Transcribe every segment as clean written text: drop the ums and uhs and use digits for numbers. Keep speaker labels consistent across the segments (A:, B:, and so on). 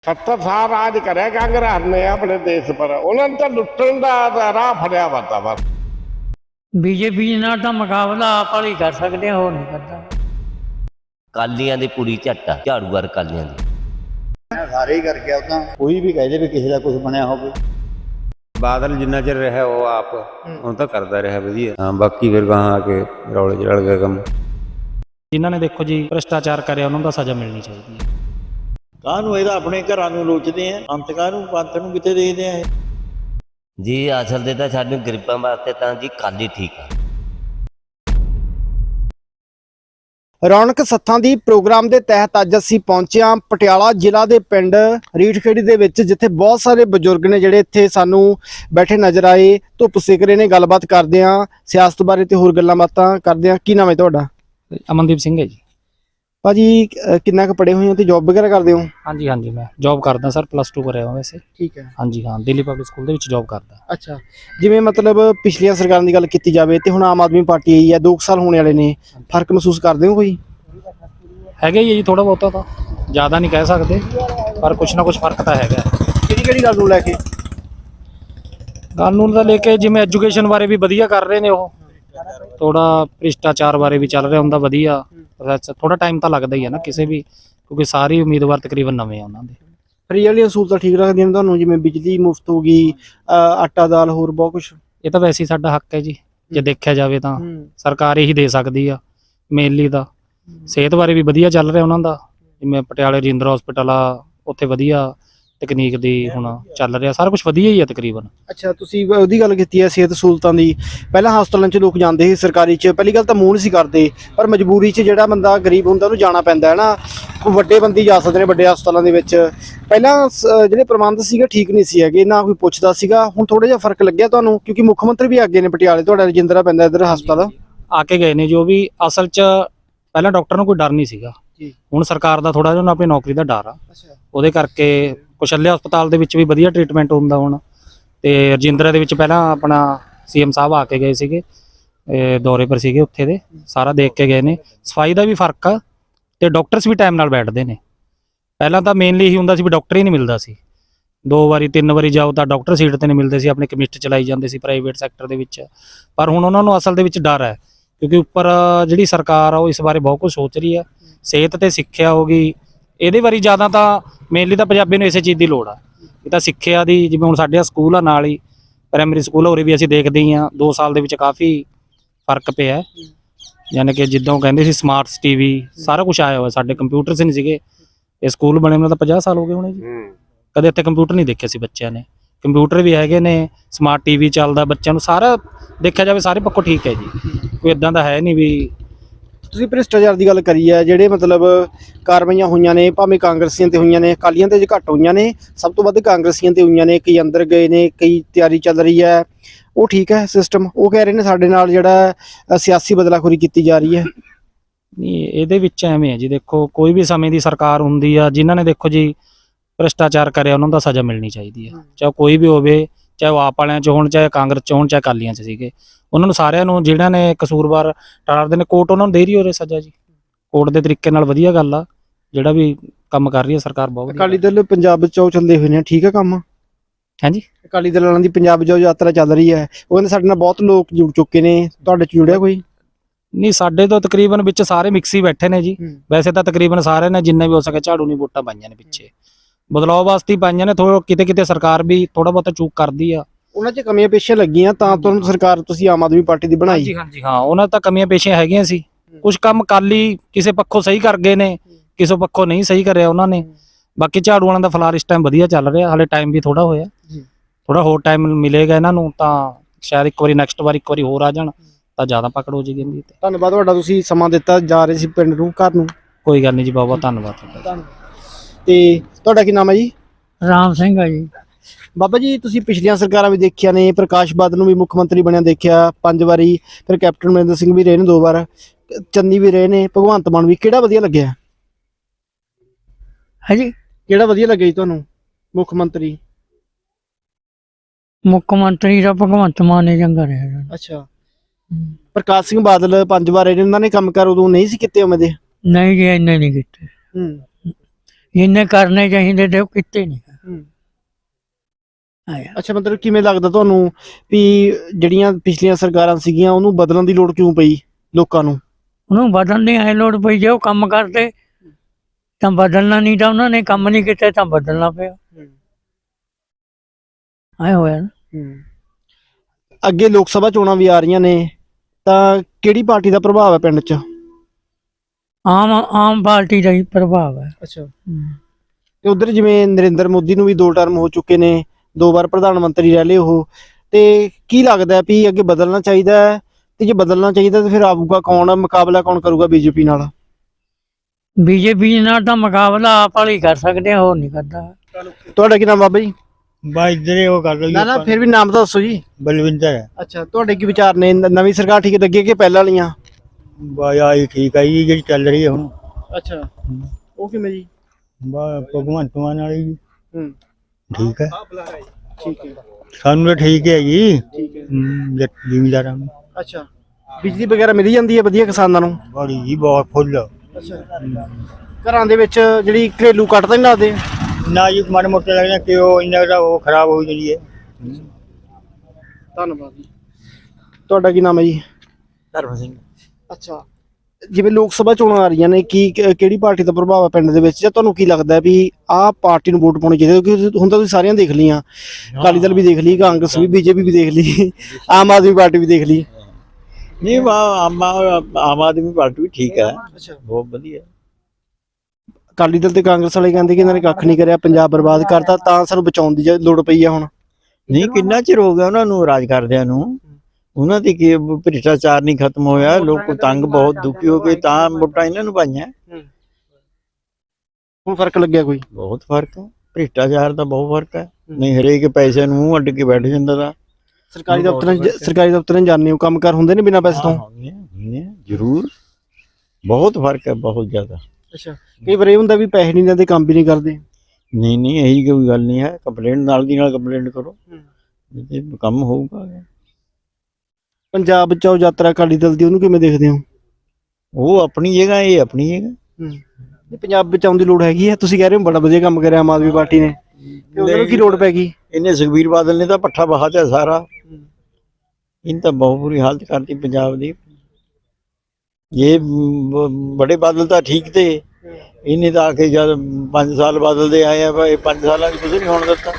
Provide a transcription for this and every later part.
A: 70 ਸਾਲ ਰਾਜ ਕਰਿਆ ਕਾਂਗਰਸ ਨੇ ਆਪਣੇ ਦੇਸ਼ ਪਰ। ਉਹਨਾਂ ਨੇ ਤਾਂ ਲੁੱਟਣ ਦਾ ਰਾਹ ਫੜਿਆ ਵਾ ਬਸ।
B: ਬੀਜੇਪੀ ਨਾਲ ਤਾਂ ਮੁਕਾਬਲਾ ਆਪ ਵਾਲੀ ਕਰ ਸਕਦੇ ਆ, ਹੋਰ ਨਹੀਂ ਕਰਦਾ।
C: ਕਾਲੀਆਂ ਦੇ ਪੂਰੀ ਝੱਟਾ, ਝਾੜੂਗਰ ਕਾਲੀਆਂ ਦੀ
D: ਸਾਰੇ ਹੀ ਕਰ ਗਿਆ। ਉਹ ਤਾਂ ਕੋਈ ਵੀ ਕਹਦੇ ਵੀ ਕਿਸੇ ਦਾ ਕੁਝ ਬਣਿਆ ਹੋਵੇ।
E: ਬਾਦਲ ਜਿੰਨਾ ਚਿਰ ਰਿਹਾ ਉਹ ਆਪ ਹੁਣ ਤਾਂ ਕਰਦਾ ਰਿਹਾ ਵਧੀਆ। ਹਾਂ, ਬਾਕੀ ਫਿਰ ਗਾਹਾਂ ਆ ਕੇ ਰੌਲੇ ਚ ਰਲ ਗਿਆ ਕੰਮ।
F: ਜਿਨ੍ਹਾਂ ਨੇ ਦੇਖੋ ਜੀ ਭ੍ਰਿਸ਼ਟਾਚਾਰ ਕਰਿਆ ਉਹਨਾਂ ਦਾ ਸਜ਼ਾ ਮਿਲਣੀ ਚਾਹੀਦੀ ਹੈ।
D: ਕਾਹਨੂੰ ਇਹਦਾ ਆਪਣੇ ਘਰਾਂ ਨੂੰ ਲੋਚਦੇ ਆ, ਅੰਤ ਕਾਹਨੂੰ ਪੰਥ ਨੂੰ ਕਿੱਥੇ ਦੇਖਦੇ ਆ।
C: ਜੀ ਅਸਲ ਦੇ ਤਾਂ ਸਾਡੇ ਗਰੀਬਾਂ ਵਾਸਤੇ ਤਾਂ ਜੀ ਕਾਲੀ ਠੀਕ ਆ।
G: ਰੌਣਕ ਸੱਥਾਂ ਦੀ ਪ੍ਰੋਗਰਾਮ ਦੇ ਤਹਿਤ ਅੱਜ ਅਸੀਂ ਪਹੁੰਚੇ ਹਾਂ ਪਟਿਆਲਾ ਜ਼ਿਲ੍ਹਾ ਦੇ ਪਿੰਡ ਰੀਠਖੇੜੀ ਦੇ ਵਿੱਚ, ਜਿੱਥੇ ਬਹੁਤ ਸਾਰੇ ਬਜ਼ੁਰਗ ਨੇ ਜਿਹੜੇ ਇੱਥੇ ਸਾਨੂੰ ਬੈਠੇ ਨਜ਼ਰ ਆਏ, ਧੁੱਪ ਸੇਕ ਰਹੇ ਨੇ। ਗੱਲਬਾਤ ਕਰਦੇ ਹਾਂ ਸਿਆਸਤ ਬਾਰੇ ਤੇ ਹੋਰ ਗੱਲਾਂ ਬਾਤਾਂ ਕਰਦੇ ਹਾਂ। ਕੀ ਨਾਮ ਹੈ ਤੁਹਾਡਾ?
F: ਅਮਨਦੀਪ ਸਿੰਘ ਹੈ ਜੀ।
G: ਭਾਜੀ ਕਿੰਨਾ ਕੁ ਪੜ੍ਹੇ ਹੋਏ ਹੋ ਤੇ ਜੌਬ ਵਗੈਰਾ ਕਰਦੇ ਹੋ?
F: ਹਾਂਜੀ ਹਾਂਜੀ, ਮੈਂ ਜੌਬ ਕਰਦਾ ਸਰ, +2 ਕਰਿਆ ਹਾਂ ਵੈਸੇ।
G: ਠੀਕ ਹੈ।
F: ਹਾਂਜੀ ਹਾਂ, ਦਿੱਲੀ ਪਬਲਿਕ ਸਕੂਲ ਦੇ ਵਿੱਚ ਜੌਬ ਕਰਦਾ।
G: ਅੱਛਾ, ਜਿਵੇਂ ਮਤਲਬ ਪਿਛਲੀਆਂ ਸਰਕਾਰਾਂ ਦੀ ਗੱਲ ਕੀਤੀ ਜਾਵੇ ਤੇ ਹੁਣ ਆਮ ਆਦਮੀ ਪਾਰਟੀ ਆਈ ਹੈ, 2 ਸਾਲ ਹੋਣੇ ਵਾਲੇ ਨੇ, ਫਰਕ ਮਹਿਸੂਸ ਕਰਦੇ ਹੋ ਕੋਈ?
F: ਹੈਗਾ ਹੀ ਹੈ ਜੀ, ਥੋੜਾ ਬਹੁਤਾ ਤਾਂ, ਜ਼ਿਆਦਾ ਨਹੀਂ ਕਹਿ ਸਕਦੇ ਪਰ ਕੁਛ ਨਾ ਕੁਛ ਫਰਕ ਤਾਂ ਹੈਗਾ।
G: ਕਿਹੜੀ ਗੱਲ ਨੂੰ ਲੈ ਕੇ?
F: ਕਾਨੂੰਨ ਦਾ ਲੈ ਕੇ ਜਿਵੇਂ ਐਜੂਕੇਸ਼ਨ ਬਾਰੇ ਵੀ ਵਧੀਆ ਕਰ ਰਹੇ ਨੇ ਉਹ, ਥੋੜਾ ਭ੍ਰਿਸ਼ਟਾਚਾਰ ਬਾਰੇ ਵੀ ਚੱਲ ਰਿਹਾ ਹੁੰਦਾ ਵਧੀਆ। ਥੋੜਾ ਟਾਈਮ ਤਾਂ ਲੱਗਦਾ ਹੀ ਹੈ ਨਾ ਕਿਸੇ ਵੀ, ਕਿਉਂਕਿ ਸਾਰੇ ਉਮੀਦਵਾਰ ਤਕਰੀਬਨ ਨਵੇਂ ਆ ਉਹਨਾਂ ਦੇ।
G: ਫਰੀ ਵਾਲੀਆਂ ਸਹੂਲਤਾਂ ਠੀਕ ਰੱਖਦੀਆਂ ਨੇ ਤੁਹਾਨੂੰ, ਜਿਵੇਂ ਬਿਜਲੀ ਮੁਫਤ ਹੋ ਗਈ, ਆਟਾ ਦਾਲ, ਹੋਰ ਬਹੁਤ ਕੁਛ?
F: ਇਹ ਤਾਂ ਵੈਸੇ ਹੀ ਸਾਡਾ ਹੱਕ ਹੈ ਜੀ, ਜੇ ਦੇਖਿਆ ਜਾਵੇ ਤਾਂ ਸਰਕਾਰ ਇਹੀ ਦੇ ਸਕਦੀ ਆ ਮੇਨਲੀ ਤਾਂ। ਸਿਹਤ ਬਾਰੇ ਵੀ ਵਧੀਆ ਚੱਲ ਰਿਹਾ ਉਹਨਾਂ ਦਾ, ਜਿਵੇਂ ਪਟਿਆਲੇ ਰਜਿੰਦਰਾ ਹਸਪੀਟਲ ਆ, ਉੱਥੇ ਵਧੀਆ ਤਕਨੀਕ ਦੀ ਹੁਣ ਚੱਲ ਰਿਹਾ, ਸਾਰਾ ਕੁਝ ਵਧੀਆ ਹੀ ਆ ਤਕਰੀਬਨ।
G: ਅੱਛਾ, ਤੁਸੀਂ ਉਹਦੀ ਗੱਲ ਕੀਤੀ ਹੈ ਸਿਹਤ ਸਹੂਲਤਾਂ ਦੀ। ਪਹਿਲਾਂ ਹਸਪਤਾਲਾਂ 'ਚ ਲੋਕ ਜਾਂਦੇ ਸੀ ਸਰਕਾਰੀ 'ਚ, ਪਹਿਲੀ ਗੱਲ ਤਾਂ ਮੂੰਹ ਨਹੀਂ ਸੀ ਕਰਦੇ, ਪਰ ਮਜਬੂਰੀ 'ਚ ਜਿਹੜਾ ਬੰਦਾ ਗਰੀਬ ਹੁੰਦਾ ਉਹਨੂੰ ਜਾਣਾ ਪੈਂਦਾ ਹੈ ਨਾ। ਵੱਡੇ ਬੰਦੇ ਜਾ ਸਕਦੇ ਨੇ ਵੱਡੇ ਹਸਪਤਾਲਾਂ ਦੇ ਵਿੱਚ। ਪਹਿਲਾਂ ਜਿਹੜੇ ਪ੍ਰਬੰਧ ਸੀਗੇ ਠੀਕ ਨਹੀਂ ਸੀ ਹੈਗੇ, ਨਾ ਕੋਈ ਪੁੱਛਦਾ ਸੀਗਾ। ਹੁਣ ਥੋੜਾ ਜਿਹਾ ਫਰਕ ਲੱਗਿਆ ਤੁਹਾਨੂੰ, ਕਿਉਂਕਿ ਮੁੱਖ ਮੰਤਰੀ ਵੀ ਅੱਗੇ ਨੇ ਪਟਿਆਲੇ, ਤੁਹਾਡਾ ਰਜਿੰਦਰਾ ਪੈਂਦਾ ਇੱਧਰ ਹਸਪਤਾਲ,
F: ਆ ਕੇ ਗਏ ਨੇ ਜੋ ਵੀ। ਅਸਲ 'ਚ ਪਹਿਲਾਂ ਡਾਕਟਰ ਨੂੰ ਕੋਈ ਡਰ ਨਹੀਂ ਸੀਗਾ, ਹੁਣ ਸਰਕਾਰ ਦਾ ਥੋੜਾ ਜਿਹਾ ਆਪਣੀ ਨੌਕਰੀ ਦਾ ਡਰ ਆ, ਉਹਦੇ ਕਰਕੇ ਕੁਸ਼ਲਿਆ ਹਸਪਤਾਲ ਦੇ ਵਿੱਚ ਵੀ ਵਧੀਆ ਟ੍ਰੀਟਮੈਂਟ ਹੁੰਦਾ ਹੁਣ। ਤੇ ਰਜਿੰਦਰਾ ਦੇ ਵਿੱਚ ਪਹਿਲਾਂ ਆਪਣਾ CM ਸਾਹਿਬ ਆ ਕੇ ਗਏ ਸੀਗੇ, ਦੌਰੇ ਪਰ ਸੀਗੇ, ਉੱਥੇ ਦੇ ਸਾਰਾ ਦੇਖ ਕੇ ਗਏ ਨੇ। ਸਫਾਈ ਦਾ ਵੀ ਫਰਕ ਆ ਤੇ ਡਾਕਟਰਸ ਵੀ ਟਾਈਮ ਨਾਲ ਬੈਠਦੇ ਨੇ। ਪਹਿਲਾਂ ਤਾਂ ਮੇਨਲੀ ਇਹੀ ਹੁੰਦਾ ਸੀ ਵੀ ਡਾਕਟਰ ਹੀ ਨਹੀਂ ਮਿਲਦਾ ਸੀ, 2 ਵਾਰੀ 3 ਵਾਰੀ ਜਾਓ ਤਾਂ ਡਾਕਟਰ ਸੀਟ ਤੇ ਨਹੀਂ ਮਿਲਦੇ ਸੀ, ਆਪਣੇ ਕਮਿਸਟ ਚਲਾਈ ਜਾਂਦੇ ਸੀ ਪ੍ਰਾਈਵੇਟ ਸੈਕਟਰ ਦੇ ਵਿੱਚ। ਪਰ ਹੁਣ ਉਹਨਾਂ ਨੂੰ ਅਸਲ ਦੇ ਵਿੱਚ ਡਰ ਹੈ, ਕਿਉਂਕਿ ਉੱਪਰ ਜਿਹੜੀ ਸਰਕਾਰ ਆ ਉਹ ਇਸ ਬਾਰੇ ਬਹੁਤ ਕੁਝ ਸੋਚ ਰਹੀ ਹੈ। ਸਿਹਤ ਤੇ ਸਿੱਖਿਆ ਹੋ ਗਈ, ਇਹਦੇ ਬਾਰੇ ਜ਼ਿਆਦਾ ਤਾਂ ਮੇਨਲੀ ਤਾਂ ਪੰਜਾਬੀ ਨੂੰ ਇਸੇ ਚੀਜ਼ ਦੀ ਲੋੜ ਆ। ਇਹ ਤਾਂ ਸਿੱਖਿਆ ਦੀ, ਜਿਵੇਂ ਹੁਣ ਸਾਡੇ ਸਕੂਲ ਆ ਨਾਲ ਹੀ ਪ੍ਰਾਇਮਰੀ ਸਕੂਲ, ਹੋਰੇ ਵੀ ਅਸੀਂ ਦੇਖਦੇ ਹੀ ਹਾਂ 2 ਸਾਲ ਦੇ ਵਿੱਚ ਕਾਫੀ ਫਰਕ ਪਿਆ। ਯਾਨੀ ਕਿ ਜਿੱਦਾਂ ਉਹ ਕਹਿੰਦੇ ਸੀ ਸਮਾਰਟ TV ਸਾਰਾ ਕੁਝ ਆਇਆ ਹੋਇਆ, ਸਾਡੇ ਕੰਪਿਊਟਰਸ ਨਹੀਂ ਸੀਗੇ। ਇਹ ਸਕੂਲ ਬਣੇ ਨੂੰ ਤਾਂ 50 ਸਾਲ ਹੋ ਗਏ ਹੋਣੇ ਜੀ, ਕਦੇ ਇੱਥੇ ਕੰਪਿਊਟਰ ਨਹੀਂ ਦੇਖੇ ਸੀ ਬੱਚਿਆਂ ਨੇ। ਕੰਪਿਊਟਰ ਵੀ ਹੈਗੇ ਨੇ, ਸਮਾਰਟ TV ਚੱਲਦਾ ਬੱਚਿਆਂ ਨੂੰ, ਸਾਰਾ ਦੇਖਿਆ ਜਾਵੇ ਸਾਰੇ ਪੱਖੋਂ ਠੀਕ ਹੈ ਜੀ, ਕੋਈ ਇੱਦਾਂ ਦਾ ਹੈ ਨਹੀਂ ਵੀ।
G: ਤੁਸੀਂ ਭ੍ਰਿਸ਼ਟਾਚਾਰ ਦੀ ਗੱਲ ਕਰੀ ਹੈ, ਜਿਹੜੇ ਮਤਲਬ ਕਾਰਵਾਈਆਂ ਹੋਈਆਂ ਨੇ, ਭਾਵੇਂ ਕਾਂਗਰਸੀਆਂ ਤੇ ਹੋਈਆਂ ਨੇ, ਅਕਾਲੀਆਂ ਤੇ ਘੱਟ ਹੋਈਆਂ ਨੇ, ਸਭ ਤੋਂ ਵੱਧ ਕਾਂਗਰਸੀਆਂ ਤੇ ਹੋਈਆਂ ਨੇ। ਕਈ ਅੰਦਰ ਗਏ ਨੇ, ਕਈ ਤਿਆਰੀ ਚੱਲ ਰਹੀ ਹੈ, ਉਹ ਠੀਕ ਹੈ ਸਿਸਟਮ? ਉਹ ਕਹਿ ਰਹੇ ਨੇ ਸਾਡੇ ਨਾਲ ਜਿਹੜਾ ਸਿਆਸੀ ਬਦਲਾਖੋਰੀ ਕੀਤੀ ਜਾ ਰਹੀ ਹੈ।
F: ਨਹੀਂ, ਇਹਦੇ ਵਿੱਚ ਐਵੇਂ ਹੈ ਜੀ, ਦੇਖੋ ਕੋਈ ਵੀ ਸਮੇਂ ਦੀ ਸਰਕਾਰ ਹੁੰਦੀ ਆ, ਜਿਨ੍ਹਾਂ ਨੇ ਦੇਖੋ ਜੀ ਭ੍ਰਿਸ਼ਟਾਚਾਰ ਕਰਿਆ ਉਹਨਾਂ ਦਾ ਸਜ਼ਾ ਮਿਲਣੀ ਚਾਹੀਦੀ ਹੈ, ਚਾਹੇ ਕੋਈ ਵੀ ਹੋਵੇ, ਚਾਹੇ ਉਹ ਆਪ ਵਾਲਿਆਂ 'ਚ ਹੋਣ, ਚਾਹੇ ਕਾਂਗਰਸ 'ਚ ਹੋਣ, ਚਾਹੇ ਅਕਾਲੀਆਂ 'ਚ ਸੀਗੇ। ਉਹਨਾਂ ਨੂੰ ਸਾਰਿਆਂ ਨੂੰ, ਜਿਹਨਾਂ ਨੇ ਕਸੂਰਵਾਰ ਠਹਿਰਾਉਂਦੇ ਨੇ, ਕੋਰਟ ਉਹਨਾਂ ਨੂੰ ਦੇ ਰਹੀ ਹੋ ਰਹੀ ਸਜ਼ਾ ਜੀ, ਕੋਰਟ ਦੇ ਤਰੀਕੇ ਨਾਲ। ਵਧੀਆ ਗੱਲ ਆ, ਜਿਹੜਾ ਵੀ ਕੰਮ ਕਰ ਰਹੀ ਹੈ ਸਰਕਾਰ ਬਹੁਤ।
G: ਅਕਾਲੀ ਦਲ ਪੰਜਾਬ 'ਚ ਚੱਲਦੇ ਹੋਏ ਨੇ, ਠੀਕ ਹੈ ਕੰਮ?
F: ਹਾਂਜੀ,
G: ਅਕਾਲੀ ਦਲ ਵਾਲਿਆਂ ਦੀ ਪੰਜਾਬ 'ਚ ਯਾਤਰਾ ਚੱਲ ਰਹੀ ਹੈ, ਉਹ ਕਹਿੰਦੇ ਸਾਡੇ ਨਾਲ ਬਹੁਤ ਲੋਕ ਜੁੜ ਚੁੱਕੇ ਨੇ, ਤੁਹਾਡੇ 'ਚ ਜੁੜਿਆ ਕੋਈ?
F: ਨਹੀਂ, ਸਾਡੇ ਤੋਂ ਤਕਰੀਬਨ ਵਿੱਚ ਸਾਰੇ ਮਿਕਸ ਹੀ ਬੈਠੇ ਨੇ ਜੀ। ਵੈਸੇ ਤਾਂ ਤਕਰੀਬਨ ਸਾਰਿਆਂ ਨੇ ਜਿੰਨੇ ਵੀ ਹੋ ਸਕੇ ਝਾੜੂ ਨਹੀਂ ਵੋਟਾਂ ਪਾਈਆਂ ਨੇ, ਪਿੱਛੇ ਬਦਲਾਅ ਵਾਸਤੇ ਪਾਈਆਂ ਨੇ। ਕਿਤੇ ਕਿਤੇ ਸਰਕਾਰ ਵੀ ਥੋੜਾ ਬਹੁਤਾ ਚੂਕ ਕਰਦੀ ਆ, ਉਹਨਾਂ 'ਚ
G: ਕਮੀਆਂ ਪੇਸ਼ੀਆਂ ਲੱਗੀਆਂ ਤਾਂ ਤੁਹਾਨੂੰ ਸਰਕਾਰ, ਤੁਸੀਂ ਆਮ ਆਦਮੀ ਪਾਰਟੀ ਦੀ ਬਣਾਈ।
F: ਹਾਂਜੀ ਹਾਂ, ਉਹਨਾਂ ਤਾਂ ਕਮੀਆਂ ਪੇਸ਼ੀਆਂ ਹੈਗੀਆਂ ਸੀ। ਕੁਝ ਕੰਮ ਕਾਲੀ ਕਿਸੇ ਪੱਖੋਂ ਸਹੀ ਕਰ ਗਏ ਨੇ, ਕਿਸੇ ਪੱਖੋਂ ਨਹੀਂ ਸਹੀ ਕਰਿਆ ਉਹਨਾਂ ਨੇ। ਬਾਕੀ ਝਾੜੂ ਵਾਲਿਆਂ ਦਾ ਫਿਲਹਾਲ ਇਸ ਟਾਈਮ ਵਧੀਆ ਚੱਲ ਰਿਹਾ, ਹਾਲੇ ਟਾਈਮ ਵੀ ਥੋੜਾ ਹੋਇਆ, ਥੋੜਾ ਹੋਰ ਟਾਈਮ ਮਿਲੇਗਾ ਇਹਨਾਂ ਨੂੰ ਤਾਂ ਸ਼ਾਇਦ ਇੱਕ ਵਾਰੀ ਨੈਕਸਟ ਵਾਰ ਇੱਕ ਵਾਰੀ ਹੋਰ ਆ ਜਾਣ ਤਾਂ ਜ਼ਿਆਦਾ ਪਕੜ ਹੋ ਜਾਏਗੀ ਇਹਦੀ।
G: ਧੰਨਵਾਦ ਤੁਹਾਡਾ, ਤੁਸੀਂ ਸਮਾਂ ਦਿੱਤਾ। ਜਾ ਰਹੇ ਸੀ ਪਿੰਡ ਨੂੰ, ਘਰ ਨੂੰ?
F: ਕੋਈ ਗੱਲ ਨਹੀਂ ਜੀ, ਬਹੁਤ ਬਹੁਤ ਧੰਨਵਾਦ ਤੁਹਾਡਾ।
G: ਤੇ ਤੁਹਾਡਾ ਕੀ ਨਾਮ ਹੈ ਜੀ?
B: ਰਾਮ ਸਿੰਘ ਆ ਜੀ।
G: ਬਾਬਾ ਜੀ, ਤੁਸੀਂ ਪਿਛਲੀਆਂ ਸਰਕਾਰਾਂ ਵੀ ਦੇਖੀਆਂ ਨੇ, ਪ੍ਰਕਾਸ਼ ਬਾਦਲ ਨੂੰ ਵੀ ਮੁੱਖ ਮੰਤਰੀ ਬਣਿਆ ਦੇਖਿਆ 5 ਵਾਰੀ, ਫਿਰ ਕੈਪਟਨ ਅਮਰਿੰਦਰ ਸਿੰਘ ਵੀ ਰਹੇ ਨੇ 2 ਵਾਰ, ਚੰਨੀ ਵੀ ਰਹੇ ਨੇ, ਭਗਵੰਤ ਮਾਨ ਵੀ। ਕਿਹੜਾ ਵਧੀਆ ਲੱਗਿਆ?
B: ਹਾਂਜੀ,
G: ਕਿਹੜਾ ਵਧੀਆ ਲੱਗਿਆ ਜੀ ਤੁਹਾਨੂੰ ਮੁੱਖ ਮੰਤਰੀ?
B: ਮੁੱਖ ਮੰਤਰੀ ਦਾ ਭਗਵੰਤ ਮਾਨ ਨੇ ਚੰਗਾ ਰਿਹਾ।
G: ਅੱਛਾ, ਪ੍ਰਕਾਸ਼ ਸਿੰਘ ਬਾਦਲ 5 ਵਾਰ ਰਹੇ ਨੇ, ਉਹਨਾਂ ਨੇ ਕੰਮ ਕਰ ਉਦੋਂ ਨਹੀਂ ਸੀ ਕੀਤੇ ਉਵੇਂ ਦੇ?
B: ਨਹੀਂ ਜੀ, ਇੰਨੇ ਨਹੀਂ ਕੀਤੇ। ਜਿੰਨੇ ਕਰਨੇ ਚਾਹੀਦੇ ਤੇ ਉਹ ਕੀਤੇ ਨਹੀਂ ਆਇਆ।
G: ਅੱਛਾ, ਮਤਲਬ ਕਿਵੇਂ ਲੱਗਦਾ ਤੁਹਾਨੂੰ ਵੀ ਜਿਹੜੀਆਂ ਪਿਛਲੀਆਂ ਸਰਕਾਰਾਂ ਸੀਗੀਆਂ ਉਹਨੂੰ ਬਦਲਣ ਦੀ ਲੋੜ ਕਿਉਂ ਪਈ ਲੋਕਾਂ ਨੂੰ?
B: ਉਹਨੂੰ ਬਦਲਣ ਦੀ ਐ ਲੋੜ ਪਈ, ਜੇ ਉਹ ਕੰਮ ਕਰਦੇ ਤਾਂ ਬਦਲਣਾ ਨਹੀਂ, ਤਾਂ ਉਹਨਾਂ ਨੇ ਕੰਮ ਨਹੀਂ ਕੀਤੇ ਤਾਂ ਬਦਲਣਾ ਪਿਆ। ਐ ਹੋਇਆ ਨਾ।
G: ਅੱਗੇ ਲੋਕ ਸਭਾ ਚੋਣਾਂ ਵੀ ਆ ਰਹੀਆਂ ਨੇ, ਤਾਂ ਕਿਹੜੀ ਪਾਰਟੀ ਦਾ ਪ੍ਰਭਾਵ ਹੈ ਪਿੰਡ 'ਚ?
B: ਆਮ ਪਾਰਟੀ ਦਾ ਹੀ ਪ੍ਰਭਾਵ ਹੈ।
G: ਅੱਛਾ, ਤੇ ਉਧਰ ਜਿਵੇਂ ਨਰਿੰਦਰ ਮੋਦੀ ਨੂੰ ਵੀ 2 ਟਰਮ ਹੋ ਚੁੱਕੇ ਨੇ, 2 ਵਾਰ ਪ੍ਰਧਾਨ ਮੰਤਰੀ ਰਹਿ ਲਏ ਉਹ, ਤੇ ਕੀ ਲੱਗਦਾ ਹੈ ਵੀ ਅੱਗੇ ਬਦਲਣਾ ਚਾਹੀਦਾ ਹੈ? ਤੇ ਜੇ ਬਦਲਣਾ ਚਾਹੀਦਾ ਤਾਂ ਫਿਰ ਆਊਗਾ ਕੌਣ, ਮੁਕਾਬਲਾ ਕੌਣ ਕਰੂਗਾ ਬੀਜੇਪੀ ਨਾਲ?
B: ਬੀਜੇਪੀ ਨਾਲ ਤਾਂ ਮੁਕਾਬਲਾ ਆਪ ਵਾਲੀ ਕਰ ਸਕਦੇ ਆ, ਹੋਰ ਨਹੀਂ ਕਰਦਾ।
G: ਤੁਹਾਡਾ ਕੀ ਨਾਮ ਬਾਬਾ ਜੀ?
D: ਬਸ ਇਧਰੇ ਉਹ ਕਰ ਲਈ
G: ਨਾ ਫਿਰ ਵੀ ਨਾਮ ਤਾਂ ਦੱਸੋ ਜੀ।
D: ਬਲਵਿੰਦਰ ਹੈ।
G: ਅੱਛਾ, ਤੁਹਾਡੇ ਕੀ ਵਿਚਾਰ ਨੇ? ਨਵੀਂ ਸਰਕਾਰ ਠੀਕ ਲੱਗੇ ਕਿ ਪਹਿਲਾਂ ਵਾਲੀਆਂ?
D: ਬਾਇਆ ਇਹ ਠੀਕ ਹੈ ਜੀ, ਜਿਹੜੀ ਚੱਲ ਰਹੀ ਹੈ ਹੁਣ।
G: ਅੱਛਾ, ਉਹ ਕਿਵੇਂ ਜੀ?
D: ਭਗਵੰਤ ਮਾਨ ਵਾਲੀ ਜੀ
G: ਹੂੰ,
D: ਠੀਕ ਹੈ,
G: ਠੀਕ ਹੈ,
D: ਸਾਨੂੰ ਤਾਂ ਠੀਕ ਹੈ ਜੀ।
G: ਠੀਕ ਹੈ।
D: ਜ਼ਿਮੀਦਾਰਾਂ ਨੂੰ
G: ਅੱਛਾ, ਬਿਜਲੀ ਵਗੈਰਾ ਮਿਲ ਜਾਂਦੀ ਹੈ ਵਧੀਆ ਕਿਸਾਨਾਂ ਨੂੰ?
D: ਬੜੀ ਜੀ, ਬਹੁਤ ਫੁੱਲ।
G: ਅੱਛਾ, ਘਰਾਂ ਦੇ ਵਿੱਚ ਜਿਹੜੀ ਘਰੇਲੂ ਕੱਟ ਤਾਂ ਨਹੀਂ ਲੱਗਦੇ?
D: ਨਾ ਜੀ, ਮਾੜੇ ਮੋਟੇ ਲੱਗਦੇ ਕਿ ਉਹ ਇੰਨਾ ਕੁ ਉਹ ਖਰਾਬ ਹੋ ਜਾਂਦੀ ਹੈ।
G: ਧੰਨਵਾਦ ਜੀ। ਤੁਹਾਡਾ ਕੀ ਨਾਮ ਹੈ ਜੀ?
D: ਧਰਮ ਸਿੰਘ।
G: ਅੱਛਾ, ਜਿਵੇਂ ਲੋਕ ਸਭਾ ਚੋਣਾਂ ਆ ਰਹੀਆਂ ਨੇ, ਕਿਹੜੀ ਪਾਰਟੀ ਦਾ ਪ੍ਰਭਾਵ ਹੈ ਪਿੰਡ ਦੇ ਵਿੱਚ, ਜਾਂ ਤੁਹਾਨੂੰ ਕੀ ਲੱਗਦਾ ਹੈ ਵੀ ਆਹ ਪਾਰਟੀ ਨੂੰ ਵੋਟ ਪਾਉਣੀ ਚਾਹੀਦੀ? ਕਿਉਂਕਿ ਹੁਣ ਤਾਂ ਤੁਸੀਂ ਸਾਰੀਆਂ ਦੇਖ ਲਈਆਂ, ਅਕਾਲੀ ਦਲ ਵੀ ਦੇਖ ਲਈ, ਕਾਂਗਰਸ ਵੀ, ਬੀਜੇਪੀ ਵੀ ਦੇਖ ਲਈ, ਆਮ ਆਦਮੀ ਪਾਰਟੀ ਵੀ ਦੇਖ ਲਈ।
D: ਨਹੀਂ, ਆਮ ਆਦਮੀ ਪਾਰਟੀ ਵੀ ਠੀਕ ਹੈ,
G: ਅੱਛਾ,
D: ਬਹੁਤ ਵਧੀਆ।
G: ਅਕਾਲੀ ਦਲ ਤੇ ਕਾਂਗਰਸ ਵਾਲੇ ਕਹਿੰਦੇ ਕਿ ਇਹਨਾਂ ਨੇ ਕੱਖ ਨਹੀਂ ਕਰਿਆ, ਪੰਜਾਬ ਬਰਬਾਦ ਕਰਤਾ, ਤਾਂ ਸਾਨੂੰ ਬਚਾਉਣ ਦੀ ਲੋੜ ਪਈ ਹੈ ਹੁਣ।
D: ਨਹੀਂ, ਕਿੰਨਾ ਚਿਰ ਹੋ ਗਿਆ ਉਹਨਾਂ ਨੂੰ ਰਾਜ ਕਰਦਿਆਂ ਨੂੰ, ਉਹਨਾਂ ਦੀ ਕੀ ਭ੍ਰਿਸ਼ਟਾਚਾਰ ਨਹੀਂ ਖਤਮ ਹੋਇਆ, ਲੋਕ ਤੰਗ ਬਹੁਤ ਦੁਖੀ ਹੋ ਗਏ, ਤਾਂ ਵੋਟਾਂ ਇਹਨਾਂ ਨੂੰ ਪਾਈਆਂ।
G: ਹੁਣ ਫਰਕ ਲੱਗਿਆ ਕੋਈ?
D: ਬਹੁਤ ਫਰਕ ਹੈ, ਭ੍ਰਿਸ਼ਟਾਚਾਰ ਦਾ ਬਹੁਤ ਫਰਕ ਹੈ। ਨਹੀਂ, ਹਰੇਕ ਪੈਸੇ ਨੂੰ ਮੂੰਹ ਅੱਡ ਕੇ ਬੈਠ ਜਾਂਦਾ ਦਾ।
G: ਸਰਕਾਰੀ ਦਫ਼ਤਰਾਂ 'ਚ ਜਾਂਦੇ ਹੋ, ਕੰਮਕਾਰ ਹੁੰਦੇ ਨੇ ਬਿਨਾਂ ਪੈਸੇ ਤੋਂ?
D: ਜ਼ਰੂਰ, ਬਹੁਤ ਫਰਕ ਹੈ, ਬਹੁਤ ਜ਼ਿਆਦਾ।
G: ਅੱਛਾ, ਕਈ ਵਾਰ ਇਹ ਹੁੰਦਾ ਵੀ ਪੈਸੇ ਨਹੀਂ ਦਿੰਦੇ, ਕੰਮ ਵੀ ਨਹੀਂ ਕਰਦੇ।
D: ਨਹੀਂ ਨਹੀਂ, ਇਹੀ ਕੋਈ ਗੱਲ ਨਹੀਂ ਹੈ, ਕੰਪਲੇਂਟ ਨਾਲ ਦੀ ਨਾਲ ਕੰਪਲੇਂਟ ਕਰੋ, ਜੇ ਕੰਮ ਹੋਊਗਾ।
G: ਪੰਜਾਬ ਬਚਾਓ ਯਾਤਰਾ ਅਕਾਲੀ ਦਲ ਦੀ, ਉਹਨੂੰ ਕਿਵੇਂ ਦੇਖਦੇ ਹੋ?
D: ਉਹ ਆਪਣੀ ਜਗ੍ਹਾ, ਇਹ ਆਪਣੀ ਜਗ੍ਹਾ।
G: ਪੰਜਾਬ ਬਚਾਉਣ ਦੀ ਲੋੜ ਹੈਗੀ ਹੈ? ਤੁਸੀਂ ਕਹਿ ਰਹੇ ਹੋ ਬੜਾ ਵਧੀਆ ਕੰਮ ਕਰਿਆ ਆਮ ਆਦਮੀ ਪਾਰਟੀ ਨੇ, ਤੇ ਉਹਨਾਂ ਨੂੰ ਕੀ ਲੋੜ ਪੈ ਗਈ?
D: ਇਹਨੇ ਸੁਖਬੀਰ ਬਾਦਲ ਨੇ ਤਾਂ ਪੱਠਾ ਬਹਾਤਾ ਸਾਰਾ, ਇਹਨੇ ਤਾਂ ਬਹੁਤ ਬੁਰੀ ਹਾਲਤ ਕਰਤੀ ਪੰਜਾਬ ਦੀ। ਇਹ ਬੜੇ ਬਾਦਲ ਤਾਂ ਠੀਕ ਤੇ, ਇਹਨੇ ਤਾਂ ਆ ਕੇ ਜਦ 5 ਸਾਲ ਬਦਲਦੇ ਆਏ ਆ, ਇਹ 5 ਸਾਲਾਂ 'ਚ ਕੁਝ ਨਹੀਂ ਹੋਣ ਦਿੱਤਾ।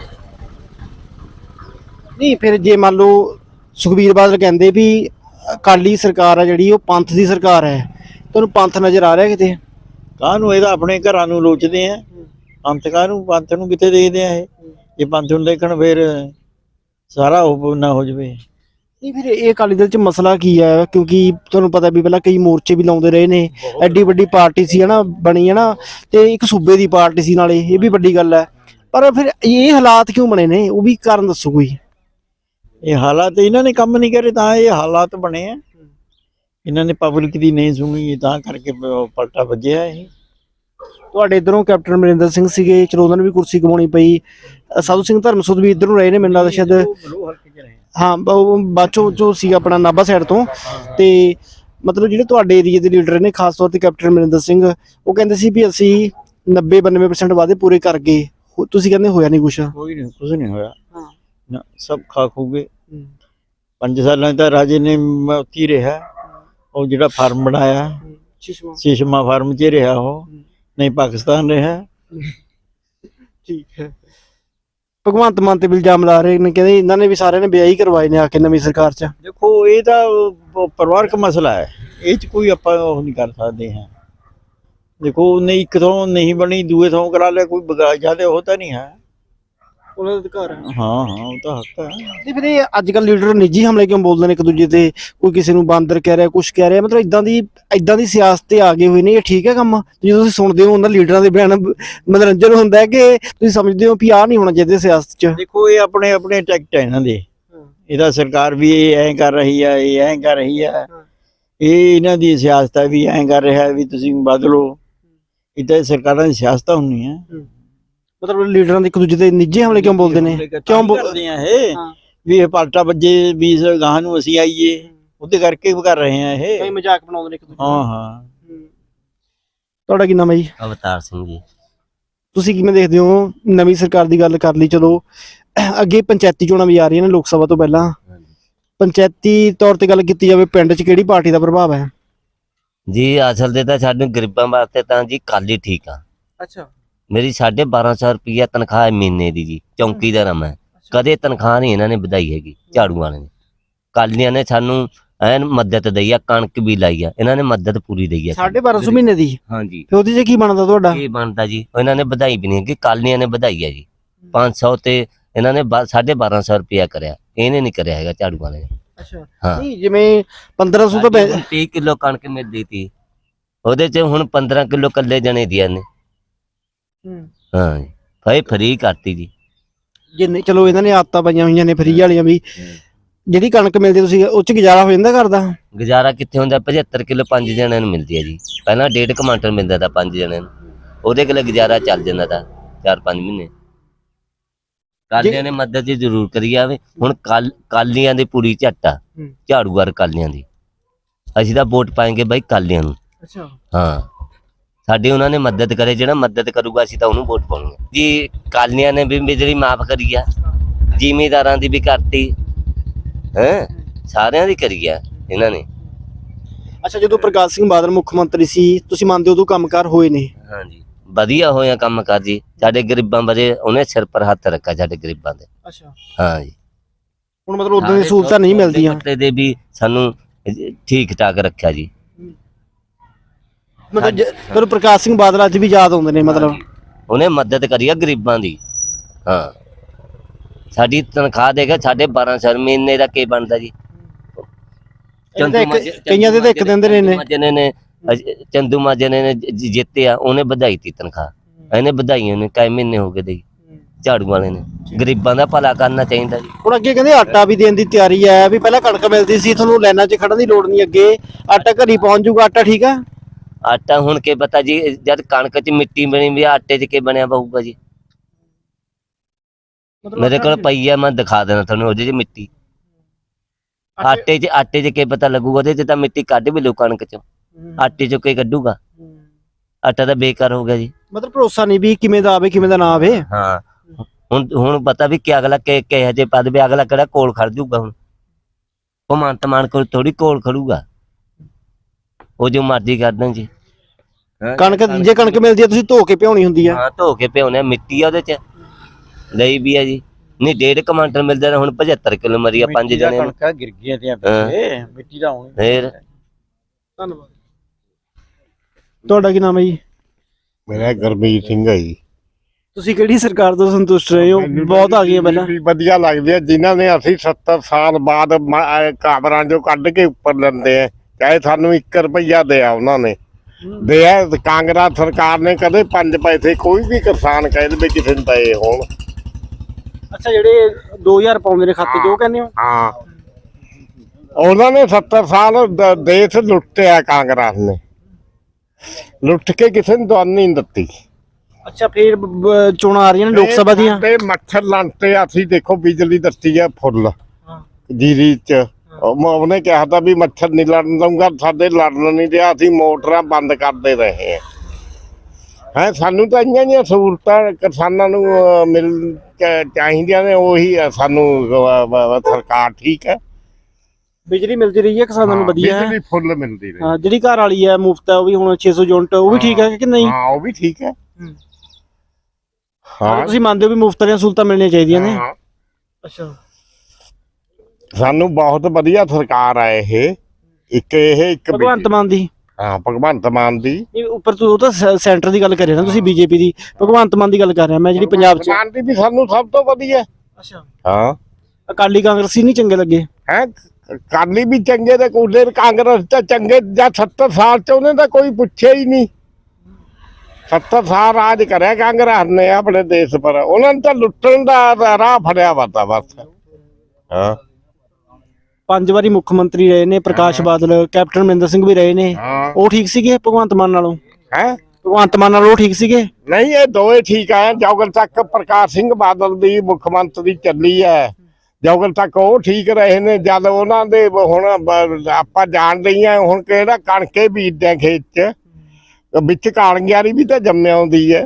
G: ਨਹੀਂ, ਫਿਰ ਜੇ ਮੰਨ ਲਓ ਸੁਖਬੀਰ ਬਾਦਲ ਕਹਿੰਦੇ ਵੀ ਅਕਾਲੀ ਸਰਕਾਰ ਆ ਜਿਹੜੀ ਉਹ ਪੰਥ ਦੀ ਸਰਕਾਰ ਹੈ, ਤੁਹਾਨੂੰ ਪੰਥ ਨਜ਼ਰ ਆ ਰਿਹਾ ਕਿਤੇ?
D: ਕਾਹਨੂੰ, ਇਹਦਾ ਆਪਣੇ ਘਰਾਂ ਨੂੰ ਲੋਚਦੇ ਆ, ਪੰਥ ਨੂੰ ਕਿੱਥੇ ਦੇਖਦੇ ਆ? ਇਹ ਜੇ ਪੰਥ ਨੂੰ ਦੇਖਣ ਫਿਰ ਸਾਰਾ ਉਹ ਨਾ ਹੋ ਜਾਵੇ।
G: ਨਹੀਂ, ਫਿਰ ਇਹ ਅਕਾਲੀ ਦਲ 'ਚ ਮਸਲਾ ਕੀ ਹੈ? ਕਿਉਂਕਿ ਤੁਹਾਨੂੰ ਪਤਾ ਵੀ ਪਹਿਲਾਂ ਕਈ ਮੋਰਚੇ ਵੀ ਲਾਉਂਦੇ ਰਹੇ ਨੇ, ਐਡੀ ਵੱਡੀ ਪਾਰਟੀ ਸੀ ਹੈ ਨਾ ਬਣੀ, ਹੈ ਨਾ, ਤੇ ਇੱਕ ਸੂਬੇ ਦੀ ਪਾਰਟੀ ਸੀ ਨਾਲੇ, ਇਹ ਵੀ ਵੱਡੀ ਗੱਲ ਹੈ। ਪਰ ਫਿਰ ਇਹ ਹਾਲਾਤ ਕਿਉਂ ਬਣੇ ਨੇ, ਉਹ ਵੀ ਕਾਰਨ ਦੱਸੋ ਕੋਈ।
D: ਇਹ ਹਾਲਾਤ ਇਹਨਾਂ ਨੇ ਕੰਮ ਨਹੀਂ ਕਰੇ ਤਾਂ ਇਹ ਹਾਲਾਤ ਬਣੇ ਆ। ਇਹਨਾਂ ਨੇ ਪਬਲਿਕ ਦੀ ਨਹੀਂ ਸੁਣੀ, ਤਾਂ ਕਰਕੇ ਪਲਟਾ ਵੱਜਿਆ। ਇਹ
G: ਤੁਹਾਡੇ ਇਧਰੋਂ ਕੈਪਟਨ ਅਮਰਿੰਦਰ ਸਿੰਘ ਸੀਗੇ, ਚਲੋ ਉਹਨਾਂ ਨੂੰ ਵੀ ਕੁਰਸੀ ਕਮਾਉਣੀ ਪਈ। ਸਾਧੂ ਸਿੰਘ ਧਰਮਸੋਤ ਵੀ ਇਧਰ ਨੂੰ ਰਹੇ ਨੇ, ਮੈਨੂੰ ਲੱਗਦਾ ਸ਼ਾਇਦ, ਹਾਂ, ਬਾਚੋ ਜੋ ਸੀਗਾ ਆਪਣਾ ਨਾਭਾ ਸਾਈਡ ਤੋਂ। ਤੇ ਮਤਲਬ ਜਿਹੜੇ ਤੁਹਾਡੇ ਏਰੀਏ ਦੇ ਲੀਡਰ ਨੇ, ਖਾਸ ਤੌਰ ਤੇ ਕੈਪਟਨ ਅਮਰਿੰਦਰ ਸਿੰਘ, ਉਹ ਕਹਿੰਦੇ ਸੀ ਵੀ ਅਸੀਂ 90-92% ਵਾਅਦੇ ਪੂਰੇ ਕਰ ਗਏ, ਤੁਸੀਂ ਕਹਿੰਦੇ ਹੋਇਆ ਨਹੀਂ ਕੁਛ?
D: ਕੁਝ ਨਹੀਂ ਹੋਇਆ ਨਾ, ਸਭ ਖਾ ਖੂ ਗਏ। 5 ਸਾਲਾਂ ਤਾਂ ਰਾਜੇ ਨੇ ਉੱਥੇ ਰਿਹਾ, ਉਹ ਜਿਹੜਾ ਫਾਰਮ ਬਣਾਇਆ ਸ਼ੀਸ਼ਮਾ ਫਾਰਮ 'ਚ ਰਿਹਾ, ਉਹ ਨਹੀਂ ਪਾਕਿਸਤਾਨ ਰਿਹਾ।
G: ਠੀਕ ਹੈ। ਭਗਵੰਤ ਮਾਨ ਤੇ ਇਲਜ਼ਾਮ ਲਾ ਰਹੇ ਨੇ, ਕਹਿੰਦੇ ਇਹਨਾਂ ਨੇ ਵੀ ਸਾਰਿਆਂ ਨੇ ਵਿਆਹ ਹੀ ਕਰਵਾਏ ਨੇ ਆ ਕੇ ਨਵੀਂ ਸਰਕਾਰ 'ਚ।
D: ਦੇਖੋ, ਇਹ ਤਾਂ ਪਰਿਵਾਰਕ ਮਸਲਾ ਹੈ, ਇਹ 'ਚ ਕੋਈ ਆਪਾਂ ਉਹ ਨਹੀਂ ਕਰ ਸਕਦੇ ਹਾਂ। ਦੇਖੋ, ਨਹੀਂ ਇੱਕ ਥਾਂ ਨਹੀਂ ਬਣੀ, ਦੂਏ ਥਾਂ ਕਰਾ ਲਿਆ, ਕੋਈ ਜ਼ਿਆਦਾ ਉਹ ਤਾਂ ਨਹੀਂ ਹੈ,
G: ਉਹਨਾਂ ਦਾ ਅਧਿਕਾਰ ਹੈ।
D: ਹਾਂ, ਉਹ ਤਾਂ ਹੱਕ ਹੈ।
G: ਤੇ ਫਿਰ ਇਹ ਅੱਜ ਕੱਲ੍ਹ ਲੀਡਰ ਨਿੱਜੀ ਹਮਲੇ ਕਿਉਂ ਬੋਲਦੇ ਨੇ ਇੱਕ ਦੂਜੇ ਤੇ? ਕੋਈ ਕਿਸੇ ਨੂੰ ਬਾਂਦਰ ਕਹਿ ਰਿਹਾ, ਕੁਛ ਕਹਿ ਰਿਹਾ, ਮਤਲਬ ਇਦਾਂ ਦੀ ਸਿਆਸਤ ਤੇ ਆ ਗਏ ਹੋਏ ਨੇ। ਇਹ ਠੀਕ ਹੈ ਕੰਮ? ਜਦੋਂ ਤੁਸੀਂ ਸੁਣਦੇ ਹੋ ਉਹਨਾਂ ਲੀਡਰਾਂ ਦੇ ਬਿਆਨ, ਮਨੋਰੰਜਨ ਹੁੰਦਾ ਹੈ ਕਿ ਤੁਸੀਂ ਸਮਝਦੇ ਹੋ ਵੀ ਆਹ ਨਹੀਂ ਹੋਣਾ ਚਾਹੀਦਾ ਸਿਆਸਤ 'ਚ?
D: ਦੇਖੋ, ਇਹ ਆਪਣੇ ਆਪਣੇ ਟੈਕਟ ਹੈ ਇਹਨਾਂ ਦੇ, ਇਹਦਾ ਸਰਕਾਰ ਵੀ ਇਹ ਐਂ ਕਰ ਰਹੀ ਹੈ, ਇਹ ਐਂ ਕਰ ਰਹੀ ਹੈ, ਇਹ ਇਹਨਾਂ ਦੀ ਸਿਆਸਤ ਹੈ ਵੀ ਐਂ ਕਰ ਰਿਹਾ ਵੀ ਤੁਸੀਂ ਬਦਲੋ। ਇੱਦਾਂ ਸਰਕਾਰਾਂ ਦੀ ਸਿਆਸਤ ਹੁੰਦੀਆਂ।
G: ਮਤਲਬ ਲੀਡਰਾਂ ਦੇ ਇੱਕ ਦੂਜੇ ਤੇ ਨਿੱਜੀ ਹਮਲੇ ਕਿਉਂ ਬੋਲਦੇ ਨੇ? ਕਿਉਂ
D: ਬੋਲਦੇ ਆ ਇਹ ਵੀ ਇਹ ਪਲਟਾ ਵੱਜੇ, ਵੀ ਗਾਹਾਂ ਨੂੰ ਅਸੀਂ ਆਈਏ, ਉਹਦੇ ਕਰਕੇ ਕਰ ਰਹੇ ਆ ਇਹ।
G: ਕਈ ਮਜ਼ਾਕ ਬਣਾਉਂਦੇ ਨੇ ਇੱਕ ਦੂਜੇ
D: ਹਾਂ।
G: ਤੁਹਾਡਾ ਕੀ ਨਾਮ ਹੈ ਜੀ?
C: ਅਵਤਾਰ ਸਿੰਘ ਜੀ।
G: ਤੁਸੀਂ ਕਿਵੇਂ ਦੇਖਦੇ ਹੋ ਨਵੀਂ ਸਰਕਾਰ ਦੀ ਗੱਲ ਕਰ ਲਈ ਚਲੋ, ਅੱਗੇ ਪੰਚਾਇਤੀ ਚੋਣਾਂ ਵੀ ਆ ਰਹੀਆਂ ਨੇ ਲੋਕ ਸਭਾ ਤੋਂ ਪਹਿਲਾਂ, ਪੰਚਾਇਤੀ ਤੌਰ ਤੇ ਗੱਲ ਕੀਤੀ ਜਾਵੇ ਪਿੰਡ 'ਚ ਕਿਹੜੀ ਪਾਰਟੀ ਦਾ ਪ੍ਰਭਾਵ ਹੈ?
C: ਜੀ ਅਸਲ ਦੇ ਤਾਂ ਸਾਨੂੰ ਗਰੀਬਾਂ ਵਾਸਤੇ ਤਾਂ ਜੀ ਕਾਲੀ ਠੀਕ ਆ।
G: ਅੱਛਾ
C: ਮੇਰੀ 1250 ਰੁਪਈਆ ਤਨਖਾਹ ਹੈ ਮਹੀਨੇ ਦੀ ਜੀ, ਚੌਂਕੀਦਾਰ ਆ ਮੈਂ। ਕਦੇ ਤਨਖਾਹ ਨਹੀਂ ਇਹਨਾਂ ਨੇ ਵਧਾਈ ਹੈਗੀ, ਝਾੜੂ ਵਾਲਿਆਂ ਨੇ। ਕਾਲੀਆਂ ਨੇ ਸਾਨੂੰ ਐਨ ਮਦਦ ਦਈ ਆ, ਕਣਕ ਵੀ ਲਾਈ ਆ, ਇਹਨਾਂ ਨੇ ਮਦਦ ਪੂਰੀ ਦਈ ਆ।
G: 1250 ਮਹੀਨੇ ਦੀ?
C: ਹਾਂਜੀ।
G: ਤੇ ਉਹਦੇ 'ਚ ਕੀ ਬਣਦਾ ਤੁਹਾਡਾ?
C: ਕੀ ਬਣਦਾ ਜੀ, ਇਹਨਾਂ ਨੇ ਵਧਾਈ ਵੀ ਨਹੀਂ ਹੈਗੀ, ਕਾਲੀਆਂ ਨੇ ਵਧਾਈ ਆ ਜੀ 500 ਤੇ ਇਹਨਾਂ ਨੇ 1250 ਰੁਪਇਆ ਕਰਿਆ, ਇਹਨੇ ਨਹੀਂ ਕਰਿਆ ਹੈਗਾ ਝਾੜੂ ਵਾਲੇ ਨੇ।
G: ਅੱਛਾ
C: ਹਾਂ।
G: ਨਹੀਂ ਜਿਵੇਂ 1500 ਤਾਂ
C: 30 ਕਿਲੋ ਕਣਕ ਮਿਲਦੀ ਤੀ, ਉਹਦੇ ਚ ਹੁਣ 15 ਕਿਲੋ ਕੱਲੇ ਜਣੇ ਦੀਆਂ ਨੇ। ਹਾਂ ਜੀ, ਭਾਈ ਫਰੀ ਕਰਤੀ ਜੀ।
G: ਜਿੰਨੇ ਚਲੋ ਇਹਨਾਂ ਨੇ ਆਦਤਾਂ ਪਾਈਆਂ ਹੋਈਆਂ ਨੇ ਫਰੀ ਵਾਲੀਆਂ ਵੀ, ਜਿਹੜੀ ਕਣਕ ਮਿਲਦੀ ਤੁਸੀਂ ਉਹ 'ਚ ਗੁਜ਼ਾਰਾ ਹੋ ਜਾਂਦਾ ਘਰ ਦਾ?
C: ਗੁਜ਼ਾਰਾ ਕਿੱਥੇ ਹੁੰਦਾ, 75 ਕਿਲੋ 5 ਜਣਿਆਂ ਨੂੰ ਮਿਲਦੀ ਹੈ ਜੀ। ਪਹਿਲਾਂ 1.5 ਕੁਆਂਟਲ ਮਿਲਦਾ ਤਾਂ 5 ਜਣਿਆਂ ਨੂੰ, ਉਹਦੇ ਕੋਲ ਗੁਜ਼ਾਰਾ ਚੱਲ ਜਾਂਦਾ ਤਾਂ 4-5 ਮਹੀਨੇ। ਕਾਲੀਆਂ ਨੇ ਮਦਦ ਜੀ ਜ਼ਰੂਰ ਕਰੀ ਆਵੇ। ਹੁਣ ਕਾਲੀਆਂ ਦੀ ਪੂਰੀ ਝੱਟ ਆ, ਝਾੜੂਗਰ ਕਾਲੀਆਂ ਦੀ। ਅਸੀਂ ਤਾਂ ਵੋਟ ਪਾਏਂਗੇ ਬਾਈ ਕਾਲੀਆਂ ਨੂੰ।
G: ਅੱਛਾ
C: ਹਾਂ, ਸਾਡੀ ਉਹਨਾਂ ਨੇ ਮਦਦ ਕਰੇ, ਜਿਹੜਾ ਮਦਦ ਕਰੂਗਾ ਅਸੀਂ ਤਾਂ ਉਹਨੂੰ ਵੋਟ ਪਾਉਣੀ ਜੀ। ਕਾਲੀਆਂ ਨੇ ਵੀ ਬਿਜਲੀ ਮਾਫ ਕਰੀ ਆ, ਜ਼ਿਮੀਂਦਾਰਾਂ ਦੀ ਵੀ ਕਰਤੀ, ਹੈ ਸਾਰਿਆਂ ਦੀ ਕਰੀ ਆ ਇਹਨਾਂ ਨੇ।
G: ਅੱਛਾ, ਜਦੋਂ ਪ੍ਰਕਾਸ਼ ਸਿੰਘ ਬਾਦਲ ਮੁੱਖ ਮੰਤਰੀ ਸੀ ਤੁਸੀਂ ਮੰਨਦੇ ਹੋ ਉਦੋਂ ਕੰਮਕਾਰ ਹੋਏ ਨੇ?
C: ਹਾਂਜੀ, ਵਧੀਆ ਹੋਇਆ ਕੰਮ ਕਾਰ ਜੀ। ਸਾਡੇ ਗਰੀਬਾਂ ਬਾਰੇ ਉਹਨੇ ਸਿਰ ਪਰ ਹੱਥ ਰੱਖਿਆ, ਸਾਡੇ ਗਰੀਬਾਂ ਦੇ।
G: ਅੱਛਾ,
C: ਹਾਂ ਜੀ।
G: ਹੁਣ ਮਤਲਬ ਉਦੋਂ ਦੀ ਸਹੂਲਤਾਂ ਨਹੀਂ ਮਿਲਦੀਆਂ?
C: ਦੇ ਵੀ ਸਾਨੂੰ ਠੀਕ ਠਾਕ ਰੱਖਿਆ ਜੀ।
G: ਮਤਲਬ ਪ੍ਰਕਾਸ਼ ਸਿੰਘ ਬਾਦਲ ਅੱਜ ਵੀ ਯਾਦ ਆਉਂਦੇ ਨੇ ਮਤਲਬ?
C: ਉਹਨੇ ਮਦਦ ਕਰੀ ਆ ਗਰੀਬਾਂ ਦੀ। ਹਾਂ, ਸਾਡੀ ਤਨਖਾਹ ਦੇਗਾ 1250 ਮਹੀਨੇ ਦਾ ਕੀ ਬਣਦਾ ਜੀ।
G: ਕਈਆਂ ਦੇ ਤਾਂ ਇੱਕ ਦਿਨ ਦੇ ਨੇ।
C: ਚੰਦੂ ਮਾਜਨੇ ਨੇ ਜਿੱਤਿਆ, ਉਹਨੇ ਵਧਾਈ ਤੀ ਤਨਖਾਹ, ਇਹਨੇ ਵਧਾਈਆਂ ਨੇ ਕਈ ਮਹੀਨੇ ਹੋ ਗਏ ਦੇ। ਝਾੜੂ ਵਾਲੇ ਨੇ ਗਰੀਬਾਂ ਦਾ ਭਲਾ ਕਰਨਾ ਚਾਹੀਦਾ ਜੀ।
G: ਹੁਣ ਅੱਗੇ ਕਹਿੰਦੇ ਆਟਾ ਵੀ ਦੇਣ ਦੀ ਤਿਆਰੀ ਹੈ, ਵੀ ਪਹਿਲਾਂ ਕਣਕ ਮਿਲਦੀ ਸੀ ਤੁਹਾਨੂੰ ਲਾਈਨਾਂ 'ਚ ਖੜਨ ਦੀ ਲੋੜ ਨਹੀਂ, ਅੱਗੇ ਆਟਾ ਘਰੀ ਪਹੁੰਚ ਜਾਊਗਾ। ਆਟਾ ਠੀਕ ਆ?
C: ਆਟਾ ਹੁਣ ਕੀ ਪਤਾ ਜੀ, ਜਦ ਕਣਕ 'ਚ ਮਿੱਟੀ ਬਣੀ ਵੀ ਆਟੇ 'ਚ ਕੀ ਬਣਿਆ ਪਊਗਾ ਜੀ। ਮੇਰੇ ਕੋਲ ਪਈ ਆ, ਮੈਂ ਦਿਖਾ ਦੇਣਾ ਤੁਹਾਨੂੰ ਉਹਦੇ 'ਚ ਮਿੱਟੀ। ਆਟੇ 'ਚ ਕੀ ਪਤਾ ਲੱਗੂਗਾ, ਉਹਦੇ 'ਚ ਤਾਂ ਮਿੱਟੀ ਕੱਢ ਵੀ ਲਓ ਕਣਕ 'ਚੋਂ, ਆਟੇ 'ਚੋਂ ਕੀ ਕੱਢੂਗਾ। ਆਟਾ ਤਾਂ ਬੇਕਾਰ ਹੋ ਗਿਆ ਜੀ।
G: ਮਤਲਬ ਭਰੋਸਾ ਨਹੀਂ ਵੀ ਕਿਵੇਂ ਦਾ ਆਵੇ ਕਿਵੇਂ ਦਾ ਨਾ ਆਵੇ।
C: ਹਾਂ, ਹੁਣ ਪਤਾ ਵੀ ਕਿ ਅਗਲਾ ਕਿਹੋ ਜਿਹੇ ਪਦ ਵੀ, ਅਗਲਾ ਕਿਹੜਾ ਕੋਲ ਖੜ ਜੂਗਾ। ਹੁਣ ਭਗਵੰਤ ਮਾਨ ਕੋਲ ਥੋੜੀ ਕੋਲ ਖੜੂਗਾ, ਉਹ ਜੋ ਮਰਜ਼ੀ ਕਰ ਦੇਣ ਜੀ।
G: ਕਣਕ ਜੇ ਕਣਕ ਮਿਲਦੀ ਹੈ ਤੁਸੀਂ ਧੋ ਕੇ ਭਿਉਣੀ ਹੁੰਦੀ ਆ?
C: ਹਾਂ, ਧੋ ਕੇ ਭਿਉਣੇ, ਮਿੱਟੀ ਆ ਉਹਦੇ 'ਚ ਲਈ ਵੀ ਆ ਜੀ। ਨਹੀਂ 1.5 ਕੁਆਂਟਲ ਮਿਲਦਾ, ਹੁਣ 75 ਕਿਲੋ ਮਰੀ ਆ 5 ਜਣੇ ਨੂੰ।
D: ਗਿਰ ਗਈਆਂ ਤੇ ਮਿੱਟੀ ਦਾ ਹੋਣੀ।
C: ਫੇਰ
G: ਧੰਨਵਾਦ। ਤੁਹਾਡਾ ਕੀ ਨਾਮ ਹੈ ਜੀ?
A: ਮੇਰਾ ਗੁਰਮੀਤ ਸਿੰਘ ਹੈ ਜੀ।
G: ਤੁਸੀਂ ਕਿਹੜੀ ਸਰਕਾਰ ਤੋਂ ਸੰਤੁਸ਼ਟ ਰਹੇ ਹੋ? ਬਹੁਤ ਆ ਗਈਆਂ ਪਹਿਲਾਂ।
A: ਵੀ ਵਧੀਆ ਲੱਗਦੀ ਹੈ, ਜਿਨ੍ਹਾਂ ਨੇ ਅਸੀਂ 70 ਸਾਲ ਬਾਅਦ ਕਾਬਰਾਂ ਚੋਂ ਕੱਢ ਕੇ ਉੱਪਰ ਲੈਂਦੇ ਆ, ਚਾਹੇ ਸਾਨੂੰ 1 ਰੁਪਈਆ ਦਿਆ ਉਹਨਾਂ ਨੇ ਦਿਆ। ਕਾਂਗਰਸ ਸਰਕਾਰ ਨੇ ਕਦੇ 5 ਪੈਸੇ ਕੋਈ ਵੀ ਕਿਸਾਨ ਕਹਿੰਦੇ ਵੀ ਕਿਸੇ ਨੂੰ ਦਏ ਹੋਣ।
G: ਅੱਛਾ, ਜਿਹੜੇ 2000 ਪਾਉਂਦੇ ਨੇ ਖਾਤੇ 'ਚ ਉਹ ਕਹਿੰਦੇ ਹੋ?
A: ਹਾਂ, ਉਹਨਾਂ ਨੇ 70 ਸਾਲ ਦੇਸ਼ ਲੁੱਟਿਆ, ਕਾਂਗਰਸ ਨੇ ਲੁੱਟ ਕੇ ਕਿਸੇ ਨੂੰ ਦਵਾਈ ਨਹੀਂ ਦਿੱਤੀ।
G: ਅੱਛਾ, ਫੇਰ ਚੋਣਾਂ ਆ ਰਹੀਆਂ ਨੇ ਲੋਕ ਸਭਾ ਦੀਆਂ।
A: ਤੇ ਮੱਛਰ ਲੰਟੇ ਅਸੀਂ ਦੇਖੋ ਬਿਜਲੀ ਦਿੱਤੀ ਹੈ ਫੁੱਲ ਜੀਰੀ 'ਚ। ਉਹਨੇ ਕਿਹਾ ਤਾਂ ਵੀ ਮੱਛਰ ਨਹੀਂ ਲੜਨ ਦਊਂਗਾ, ਸਾਡੇ ਲੜਨ ਨਹੀਂ ਦਿਆ, ਅਸੀਂ ਮੋਟਰਾਂ ਬੰਦ ਕਰਦੇ ਰਹੇ ਹੈ। ਸਾਨੂੰ ਤਾਂ ਇੰਨੀਆਂ ਜਿਹੀਆਂ ਸਹੂਲਤਾਂ ਕਿਸਾਨਾਂ ਨੂੰ ਮਿਲ ਚਾਹੀਦੀਆਂ ਨੇ, ਉਹੀ ਸਾਨੂੰ ਸਰਕਾਰ ਠੀਕ ਹੈ।
G: ਬਿਜਲੀ ਮਿਲਦੀ ਰਹੀ ਹੈ ਕਿਸਾਨਾਂ ਨੂੰ ਵਧੀਆ ਹੈ?
A: ਬਿਜਲੀ ਫੁੱਲ ਮਿਲਦੀ ਰਹੀ।
G: ਹਾਂ, ਜਿਹੜੀ ਘਰ ਵਾਲੀ ਹੈ ਮੁਫਤ ਹੈ ਉਹ ਵੀ ਹੁਣ 600 ਯੂਨਿਟ, ਉਹ ਵੀ ਠੀਕ ਹੈ ਕਿ ਨਹੀਂ?
A: ਹਾਂ, ਉਹ ਵੀ ਠੀਕ ਹੈ।
G: ਹਾਂ, ਤੁਸੀਂ ਮੰਨਦੇ ਹੋ ਵੀ ਮੁਫਤ ਦੀਆਂ ਸਹੂਲਤਾਂ ਮਿਲਣੀਆਂ ਚਾਹੀਦੀਆਂ ਨੇ? ਅੱਛਾ,
A: ਸਾਨੂੰ ਬਹੁਤ ਵਧੀਆ ਸਰਕਾਰ ਹੈ ਇਹ। ਇੱਕ
G: ਭਗਵੰਤ ਮਾਨ ਦੀ?
A: ਹਾਂ, ਭਗਵੰਤ ਮਾਨ ਦੀ।
G: ਉੱਪਰ ਤੋਂ ਉਹ ਤਾਂ ਸੈਂਟਰ ਦੀ ਗੱਲ ਕਰ ਰਹੇ ਨਾ ਤੁਸੀਂ, ਬੀਜੇਪੀ ਦੀ। ਭਗਵੰਤ ਮਾਨ ਦੀ ਗੱਲ ਕਰ ਰਿਹਾ ਮੈਂ, ਜਿਹੜੀ ਪੰਜਾਬ 'ਚ।
A: ਮਾਨ ਦੀ ਵੀ ਸਾਨੂੰ ਸਭ ਤੋਂ ਵਧੀਆ।
G: ਅੱਛਾ,
A: ਹਾਂ।
G: ਅਕਾਲੀ ਕਾਂਗਰਸੀ ਨਹੀਂ ਚੰਗੇ ਲੱਗੇ?
A: ਹੈ, ਕਾਲੀ ਵੀ ਚੰਗੇ ਤੇ ਕੂਲੇ ਕਾਂਗਰਸ ਤਾਂ ਚੰਗੇ। ਜਾਂ 70 ਸਾਲ 'ਚ ਉਹਨੇ ਤਾਂ ਕੋਈ ਪੁੱਛਿਆ ਹੀ ਨਹੀਂ। 70 ਸਾਲ ਰਾਜ ਕਰਿਆ ਕਾਂਗਰਸ ਨੇ ਆਪਣੇ ਦੇਸ਼ ਪਰ, ਉਹਨਾਂ ਨੇ ਤਾਂ ਲੁੱਟਣ ਦਾ ਰਾਹ ਫੜਿਆ ਵਾ ਤਾਂ ਬਸ। ਹਾਂ,
G: 5 ਵਾਰੀ ਮੁੱਖ ਮੰਤਰੀ ਰਹੇ ਨੇ ਪ੍ਰਕਾਸ਼ ਬਾਦਲ, ਕੈਪਟਨ ਅਮਰਿੰਦਰ ਸਿੰਘ ਵੀ ਰਹੇ ਨੇ। ਉਹ ਠੀਕ ਸੀਗੇ ਭਗਵੰਤ ਮਾਨ ਨਾਲੋਂ?
A: ਹੈ,
G: ਭਗਵੰਤ ਮਾਨ ਨਾਲੋਂ ਉਹ ਠੀਕ ਸੀਗੇ?
A: ਨਹੀਂ, ਇਹ ਦੋਏ ਠੀਕ ਆ। ਜੋਗਲ ਤੱਕ ਪ੍ਰਕਾਸ਼ ਸਿੰਘ ਬਾਦਲ ਦੀ ਮੁੱਖ ਮੰਤਰੀ ਚੱਲੀ ਹੈ, ਜੋਗਲ ਤੱਕ ਉਹ ਠੀਕ ਰਹੇ ਨੇ। ਜਦ ਉਹਨਾਂ ਦੇ ਹੁਣ ਆਪਾਂ ਜਾਣਦੇ ਹਾਂ, ਹੁਣ ਕਿਹੜਾ ਕਣਕੇ ਬੀਜਦੇ ਖੇਤ 'ਚ, ਵਿੱਚ ਕਾਲਗਿਆਰੀ ਵੀ ਤਾਂ ਜੰਮਿਆ ਆਉਂਦੀ ਹੈ।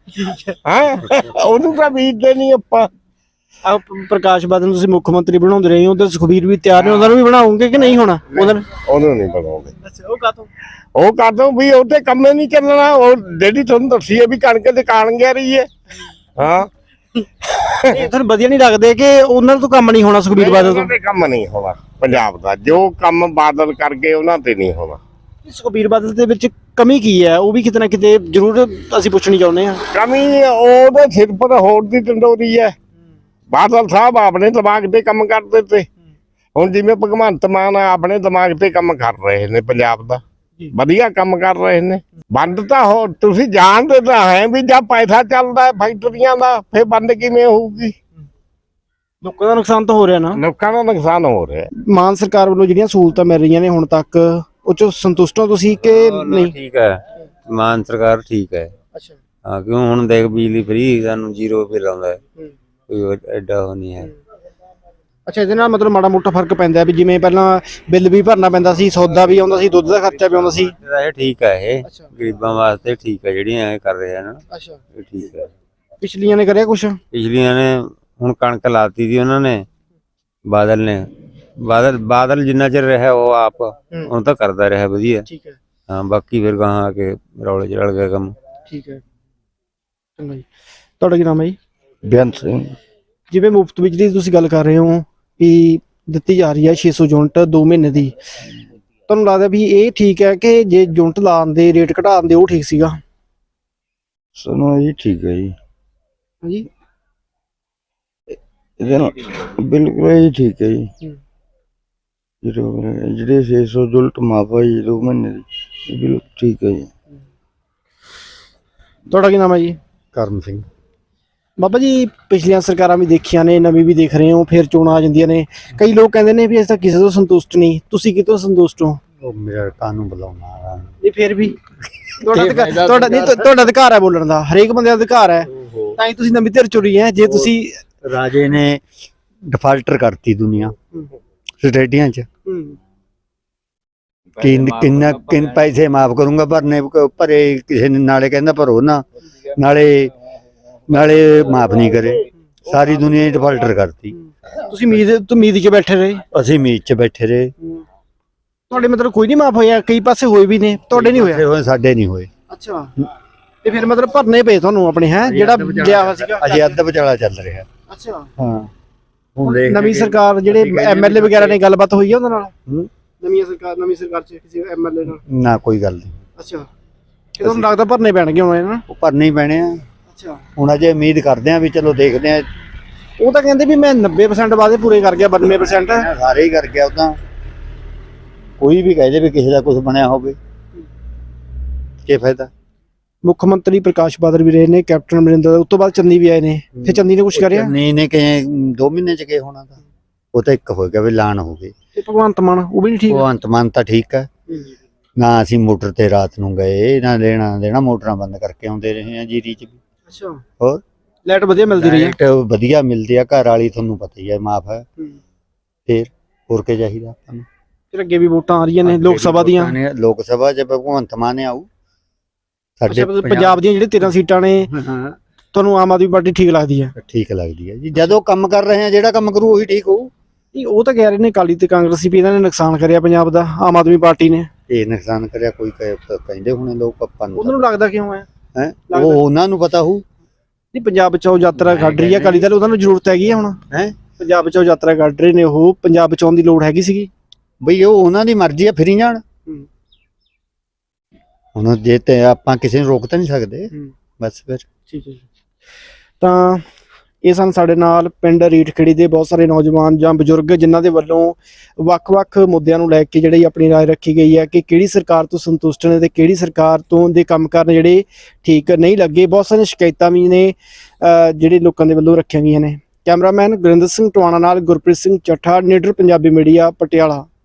A: ਹਾਂ ਉਹਨੂੰ ਤਾਂ ਬੀਜਦੇ ਨਹੀਂ ਆਪਾਂ।
G: ਪ੍ਰਕਾਸ਼ ਬਾਦਲ ਨੂੰ ਤੁਸੀਂ ਮੁੱਖ ਮੰਤਰੀ ਬਣਾਉਂਦੇ ਰਹੇ ਹੋ, ਉਧਰ ਸੁਖਬੀਰ ਵੀ ਤਿਆਰ ਨੇ, ਉਹਨਾਂ ਨੂੰ ਵੀ ਬਣਾਉਂਗੇ ਕਿ ਨਹੀਂ ਹੋਣਾ?
A: ਉਹਨੂੰ ਨਹੀਂ ਬਣਾਉਂਦੇ।
G: ਅੱਛਾ, ਉਹ ਕਾਹਤੋਂ?
A: ਉਹ ਕਰਦੋ ਵੀ ਉਹਦੇ ਕੰਮੇ ਨਹੀਂ ਚੱਲਣਾ। ਉਹ ਜਿਹੜੀ ਤੁਹਾਨੂੰ ਦੱਸੀ ਹੈ ਵੀ ਕਣਕ ਦੁਕਾਨ ਗਿਆ ਰਹੀ ਹੈ। ਹਾਂ
G: ਤੁਹਾਨੂੰ ਵਧੀਆ ਨਹੀਂ ਲੱਗਦੇ ਕਿ ਉਹਨਾਂ ਤੋਂ ਕੰਮ ਨਹੀਂ ਹੋਣਾ ਸੁਖਬੀਰ ਬਾਦਲ ਤੋਂ?
A: ਉਹਨਾਂ ਦੇ ਕੰਮ ਨਹੀਂ ਹੋਣਾ ਪੰਜਾਬ ਦਾ, ਜੋ ਕੰਮ ਬਾਦਲ ਕਰ ਗਏ ਉਹਨਾਂ ਤੇ ਨਹੀਂ ਹੋਣਾ।
G: ਸੁਖਬੀਰ ਬਾਦਲ ਦੇ ਵਿੱਚ ਕਮੀ ਕੀ ਹੈ, ਉਹ ਵੀ ਕਿਤੇ ਨਾ ਕਿਤੇ ਜ਼ਰੂਰ ਅਸੀਂ ਪੁੱਛਣੀ ਚਾਹੁੰਦੇ ਹਾਂ।
A: ਕਮੀ ਉਹਦੇ ਸਿਰ ਪਰ ਹੋਰ ਦੀ ਟੰਡੋਰੀ ਹੈ। ਬਾਦਲ ਸਾਹਿਬ ਆਪਣੇ ਦਿਮਾਗ ਤੇ ਕੰਮ ਕਰਦੇ ਤੇ, ਹੁਣ ਜਿਵੇਂ ਭਗਵੰਤ ਮਾਨ ਆਪਣੇ ਦਿਮਾਗ ਤੇ ਕੰਮ ਕਰ ਰਹੇ ਨੇ, ਪੰਜਾਬ ਦਾ ਵਧੀਆ ਕੰਮ ਕਰ ਰਹੇ ਨੇ। ਬੰਦ ਤਾਂ ਹੋ ਤੁਸੀਂ ਜਾਣਦੇ ਤਾਂ ਹੈ ਵੀ ਜਦ ਪੈਸਾ ਚੱਲਦਾ ਹੈ ਫੈਕਟਰੀਆਂ ਦਾ, ਫਿਰ ਬੰਦ ਕਿਵੇਂ ਹੋਊਗੀ?
G: ਲੋਕਾਂ ਦਾ ਨੁਕਸਾਨ ਤਾਂ ਹੋ ਰਿਹਾ ਨਾ।
A: ਲੋਕਾਂ ਦਾ ਨੁਕਸਾਨ ਹੋ ਰਿਹਾ।
G: ਮਾਨ ਸਰਕਾਰ ਵੱਲੋਂ ਜਿਹੜੀਆਂ ਸਹੂਲਤਾਂ ਮਿਲ ਰਹੀਆਂ ਨੇ ਹੁਣ ਤੱਕ, ਉਹ ਚੋਂ ਸੰਤੁਸ਼ਟ ਹੋ ਤੁਸੀਂ ਕਿ ਨਹੀਂ?
E: ਠੀਕ ਹੈ, ਮਾਨ ਸਰਕਾਰ ਠੀਕ ਹੈ।
G: ਅੱਛਾ।
E: ਹਾਂ, ਕਿਉਂ ਹੁਣ ਦੇਖ ਬਿਜਲੀ ਫਰੀ ਸਾਨੂੰ 0 ਬਿੱਲ ਆਉਂਦਾ ਹੈ, ਕੋਈ ਐਡਾ ਉਹ ਨਹੀਂ ਹੈ।
G: ਅੱਛਾ, ਇਹਦੇ ਨਾਲ ਮਤਲਬ ਮਾੜਾ ਮੋਟਾ ਫਰਕ ਪੈਂਦਾ ਵੀ ਜਿਵੇਂ ਪਹਿਲਾਂ ਬਿੱਲ ਵੀ ਭਰਨਾ ਪੈਂਦਾ ਸੀ, ਸੌਦਾ ਵੀ ਆਉਂਦਾ ਸੀ, ਦੁੱਧ ਦਾ ਖਰਚਾ ਵੀ ਆਉਂਦਾ ਸੀ।
E: ਇਹ ਠੀਕ ਹੈ, ਇਹ ਗਰੀਬਾਂ ਵਾਸਤੇ ਠੀਕ ਹੈ ਜਿਹੜੀਆਂ ਇਹ ਕਰ ਰਹੇ ਹਨ।
G: ਅੱਛਾ,
E: ਇਹ ਠੀਕ ਹੈ।
G: ਪਿਛਲੀਆਂ ਨੇ ਕਰਿਆ ਕੁਛ?
E: ਪਿਛਲੀਆਂ ਨੇ ਹੁਣ ਕਣਕ ਲਾਤੀ ਸੀ ਉਹਨਾਂ ਨੇ, ਬਾਦਲ ਨੇ। ਬਾਦਲ ਜਿੰਨਾ ਚਿਰ ਰਿਹਾ ਉਹ ਆਪ ਹੁਣ ਤਾਂ ਕਰਦਾ ਰਿਹਾ ਵਧੀਆ।
G: ਠੀਕ ਹੈ।
E: ਹਾਂ, ਬਾਕੀ ਫਿਰ ਗਾਹਾਂ ਆ ਕੇ ਰੌਲੇ ਚ ਰਲ ਗਿਆ ਕੰਮ।
G: ਠੀਕ ਹੈ, ਚੰਗਾ ਜੀ। ਤੁਹਾਡਾ ਕੀ ਨਾਮ ਹੈ ਜੀ?
A: ਬੇਅੰਤ ਸਿੰਘ।
G: ਜਿਵੇਂ ਮੁਫਤ ਬਿਜਲੀ ਦੀ ਤੁਸੀਂ ਗੱਲ ਕਰ ਰਹੇ ਹੋ ਵੀ ਦਿੱਤੀ ਜਾ ਰਹੀ ਹੈ 600 ਯੂਨਿਟ 2 ਮਹੀਨੇ ਦੀ, ਤੁਹਾਨੂੰ ਲੱਗਦਾ ਵੀ ਇਹ ਠੀਕ ਹੈ ਕਿ ਜੇ ਯੂਨਿਟ ਲਾਉਣ ਦੇ ਰੇਟ ਘਟਾਉਣ ਦੇ ਉਹ ਠੀਕ ਸੀਗਾ?
D: ਸਾਨੂੰ ਜੀ ਠੀਕ ਹੈ ਜੀ,
G: ਹਾਂਜੀ,
D: ਇਹਦੇ ਨਾਲ ਬਿਲਕੁਲ ਜੀ ਠੀਕ ਹੈ ਜੀ। ਜਿਹੜੇ 600 ਯੂਨਿਟ ਮਾਫ ਹੈ ਜੀ 2 ਮਹੀਨੇ ਦੀ, ਇਹ ਬਿਲਕੁਲ ਠੀਕ ਹੈ ਜੀ।
G: ਤੁਹਾਡਾ ਕੀ ਨਾਮ ਹੈ ਜੀ?
D: ਕਰਮ ਸਿੰਘ।
G: ਬਾਬਾ ਜੀ, ਪਿਛਲੀਆਂ ਸਰਕਾਰਾਂ ਵੀ ਦੇਖੀਆਂ ਨੇ, ਨਵੀਂ ਵੀ ਦੇਖ ਰਹੇ ਹੋ, ਫਿਰ ਚੋਣਾਂ ਆ ਜਾਂਦੀਆਂ ਨੇ, ਕਈ ਲੋਕ ਕਹਿੰਦੇ ਨੇ ਵੀ ਅਸੀਂ ਤਾਂ ਕਿਸੇ ਤੋਂ ਸੰਤੁਸ਼ਟ ਨਹੀਂ, ਤੁਸੀਂ ਕਿਤੋਂ ਸੰਤੁਸ਼ਟ ਹੋ?
D: ਉਹ ਮੇਰਾ ਕਾਨੂੰ ਬੁਲਾਉਣਾ
G: ਨਹੀਂ, ਫਿਰ ਵੀ ਤੁਹਾਡਾ ਅਧਿਕਾਰ ਹੈ ਬੋਲਣ ਦਾ, ਹਰੇਕ ਬੰਦੇ ਦਾ ਅਧਿਕਾਰ ਹੈ, ਤਾਂ ਹੀ ਤੁਸੀਂ ਨਵੀਂ ਧਿਰ ਚੁਣੀ ਹੈ। ਜੇ ਤੁਸੀਂ
D: ਰਾਜੇ ਨੇ ਡਿਫਾਲਟਰ ਕਰਤੀ ਦੁਨੀਆ ਸਟੇਡੀਆਂ ਚ, ਕਿੰਨ ਪੈਸੇ ਮਾਫ ਕਰੂੰਗਾ ਭਰਨੇ ਭਰੇ ਕਿਸੇ ਨੇ, ਨਾਲੇ ਕਹਿੰਦਾ ਭਰੋ ਨਾ, ਨਾਲੇ ਮਾਫ ਨਹੀਂ ਕਰੇ। ਸਾਰੀ ਦੁਨੀਆ ਹੀ ਡਿਫਾਲਟਰ ਕਰਤੀ।
G: ਤੁਸੀਂ ਉਮੀਦ 'ਚ ਬੈਠੇ ਰਹੇ?
D: ਅਸੀਂ ਉਮੀਦ 'ਚ ਬੈਠੇ ਰਹੇ।
G: ਤੁਹਾਡੇ ਮਤਲਬ ਕੋਈ ਨਹੀਂ ਮਾਫ ਹੋਇਆ? ਕਈ ਪਾਸੇ ਹੋਏ ਵੀ ਨੇ, ਤੁਹਾਡੇ ਨਹੀਂ ਹੋਇਆ?
D: ਸਾਡੇ ਨਹੀਂ ਹੋਏ।
G: ਅੱਛਾ, ਤੇ ਫਿਰ ਮਤਲਬ ਭਰਨੇ ਪਏ ਤੁਹਾਨੂੰ ਆਪਣੇ, ਹੈ ਜਿਹੜਾ ਲਿਆ ਹੋਇਆ ਸੀਗਾ?
D: ਅਜੇ ਅੱਧ ਵਿਚਾਲਾ ਚੱਲ ਰਿਹਾ।
G: ਅੱਛਾ,
D: ਹਾਂ।
G: ਹੁਣ ਨਵੀਂ ਸਰਕਾਰ ਜਿਹੜੇ ਐਮਐਲਏ ਵਗੈਰਾ ਨੇ, ਗੱਲਬਾਤ ਹੋਈ ਹੈ ਉਹਨਾਂ ਨਾਲ? ਨਵੀਂ ਸਰਕਾਰ 'ਚ ਕਿਸੇ ਐਮਐਲਏ ਨਾਲ
D: ਨਾ ਕੋਈ ਗੱਲ ਨਹੀਂ।
G: ਅੱਛਾ, ਇਹ ਤੁਹਾਨੂੰ ਲੱਗਦਾ ਭਰਨੇ ਪੈਣਗੇ ਹੁਣ ਇਹਨਾਂ?
D: ਉਹ ਭਰਨੇ ਹੀ ਪੈਣੇ ਆ।
G: ਅੱਛਾ,
D: ਹੁਣ ਅਜੇ ਉਮੀਦ ਕਰਦੇ ਆ ਵੀ ਚਲੋ ਦੇਖਦੇ ਆ।
G: ਉਹ ਤਾਂ ਕਹਿੰਦੇ ਵੀ ਮੈਂ 90% ਵਾਅਦੇ ਪੂਰੇ ਕਰ ਗਿਆ, 92%
D: ਸਾਰੇ ਹੀ ਕਰ ਗਿਆ। ਉਹ ਤਾਂ ਕੋਈ ਵੀ ਕਹਦੇ ਵੀ ਕਿਸੇ ਦਾ ਕੁਝ ਬਣਿਆ ਹੋਵੇ, ਕੀ ਫਾਇਦਾ।
G: ਮੁੱਖ ਮੰਤਰੀ ਪ੍ਰਕਾਸ਼ ਬਾਦਲ ਵੀ ਰਹੇ ਨੇ, ਕੈਪਟਨ ਅਮਰਿੰਦਰ, ਉਸ ਤੋਂ ਬਾਅਦ ਚੰਨੀ ਵੀ ਆਏ ਨੇ, ਫਿਰ ਚੰਨੀ ਨੇ ਕੁਝ ਕਰਿਆ?
D: ਨਹੀਂ ਨੇ ਕਿ 2 ਮਹੀਨੇ ਚ ਕੀ ਹੋਣਾ ਤਾਂ, ਉਹ ਤਾਂ ਇੱਕ ਹੋ ਗਿਆ ਵੀ ਐਲਾਨ ਹੋ ਗਏ।
G: ਤੇ ਭਗਵੰਤ ਮਾਨ ਉਹ ਵੀ ਨਹੀਂ ਠੀਕ?
D: ਭਗਵੰਤ ਮਾਨ ਤਾਂ ਠੀਕ ਹੈ ਨਾ। ਅਸੀਂ ਮੋਟਰ ਤੇ ਰਾਤ ਨੂੰ ਗਏ, ਨਾ ਲੈਣਾ ਦੇਣਾ, ਮੋਟਰਾਂ ਬੰਦ ਕਰਕੇ ਆਉਂਦੇ ਰਹੇ ਆ ਜੀਰੀ ਚ ਵੀ।
G: ਅੱਛਾ,
D: ਹੋਰ
G: ਲਾਈਟ ਵਧੀਆ ਮਿਲਦੀ ਰਹੀ ਹੈ?
D: ਲਾਈਟ ਵਧੀਆ ਮਿਲਦੀ ਆ, ਘਰ ਵਾਲੀ ਤੁਹਾਨੂੰ ਪਤਾ ਹੀ ਹੈ ਮਾਫ ਹੈ। ਫਿਰ ਹੋਰ ਕੀ ਚਾਹੀਦਾ ਆਪਾਂ ਨੂੰ?
G: ਫਿਰ ਅੱਗੇ ਵੀ ਵੋਟਾਂ ਆ ਰਹੀਆਂ ਨੇ ਲੋਕ ਸਭਾ ਦੀਆਂ।
D: ਲੋਕ ਸਭਾ ਚ ਭਗਵੰਤ ਮਾਨ ਆਊ। ਸਾਡੇ
G: ਪੰਜਾਬ ਦੀਆਂ ਜਿਹੜੇ 13 ਸੀਟਾਂ ਨੇ, ਤੁਹਾਨੂੰ ਆਮ ਆਦਮੀ ਪਾਰਟੀ ਠੀਕ ਲੱਗਦੀ ਹੈ?
D: ਠੀਕ ਲੱਗਦੀ ਹੈ ਜੀ, ਜਦੋਂ ਕੰਮ ਕਰ ਰਹੇ ਆ, ਜਿਹੜਾ ਕੰਮ ਕਰੂ ਉਹੀ ਠੀਕ ਹੋਊ।
G: ਨਹੀਂ, ਉਹ ਤਾਂ ਕਹਿ ਰਹੇ ਨੇ ਅਕਾਲੀ ਤੇ ਕਾਂਗਰਸੀ ਵੀ ਇਹਨਾਂ ਨੇ ਨੁਕਸਾਨ ਕਰਿਆ ਪੰਜਾਬ ਦਾ, ਆਮ ਆਦਮੀ ਪਾਰਟੀ ਨੇ।
D: ਇਹ ਨੁਕਸਾਨ ਕਰਿਆ ਕੋਈ ਕਹਿੰਦੇ ਹੋਣੇ ਲੋਕ, ਆਪਾਂ ਨੂੰ
G: ਉਹਨਾਂ ਨੂੰ ਲੱਗਦਾ ਕਿਉਂ ਹੈ?
D: ਉਹ ਉਹਨਾਂ ਨੂੰ ਪਤਾ ਹੋਊ।
G: ਨਹੀਂ, ਪੰਜਾਬ ਬਚਾਓ ਯਾਤਰਾ ਕੱਢ ਰਹੀ ਹੈ ਅਕਾਲੀ ਦਲ, ਉਹਨਾਂ ਨੂੰ ਜ਼ਰੂਰਤ ਹੈਗੀ ਹੈ ਹੁਣ? ਪੰਜਾਬ ਬਚਾਓ ਯਾਤਰਾ ਕੱਢ ਰਹੇ ਨੇ ਉਹ, ਪੰਜਾਬ ਬਚਾਉਣ ਦੀ ਲੋੜ ਹੈਗੀ ਸੀਗੀ
D: ਬਈ। ਉਹ ਉਹਨਾਂ ਦੀ ਮਰਜ਼ੀ ਆ, ਫਿਰੀ ਜਾਣ। ਹੁਣ ਜੇ ਤੇ ਆਪਾਂ ਕਿਸੇ ਨੂੰ ਰੋਕ ਤਾਂ ਨਹੀਂ ਸਕਦੇ, ਬਸ ਫਿਰ।
G: ਠੀਕ ਹੈ ਜੀ। ਤਾਂ ਇਹ ਸਨ ਸਾਡੇ ਨਾਲ ਪਿੰਡ ਰੀਠਖੇੜੀ ਦੇ ਬਹੁਤ ਸਾਰੇ ਨੌਜਵਾਨ ਜਾਂ ਬਜ਼ੁਰਗ, ਜਿਨ੍ਹਾਂ ਦੇ ਵੱਲੋਂ ਵੱਖ-ਵੱਖ ਮੁੱਦਿਆਂ ਨੂੰ ਲੈ ਕੇ ਜਿਹੜੀ ਆਪਣੀ ਰਾਏ ਰੱਖੀ ਗਈ ਹੈ ਕਿ ਕਿਹੜੀ ਸਰਕਾਰ ਤੋਂ ਸੰਤੁਸ਼ਟ ਨੇ ਤੇ ਕਿਹੜੀ ਸਰਕਾਰ ਤੋਂ ਦੇ ਕੰਮ ਕਰਨ ਜਿਹੜੇ ਠੀਕ ਨਹੀਂ ਲੱਗੇ। ਬਹੁਤ ਸਾਰੀਆਂ ਸ਼ਿਕਾਇਤਾਂ ਵੀ ਨੇ ਜਿਹੜੇ ਲੋਕਾਂ ਦੇ ਵੱਲੋਂ ਰੱਖੀਆਂ ਗਈਆਂ ਨੇ। ਕੈਮਰਾਮੈਨ ਗੁਰਿੰਦਰ ਸਿੰਘ ਟਵਾਣਾ ਨਾਲ ਗੁਰਪ੍ਰੀਤ ਸਿੰਘ ਚੱਠਾ, ਨੀਡਰ ਪੰਜਾਬੀ ਮੀਡੀਆ, ਪਟਿਆਲਾ।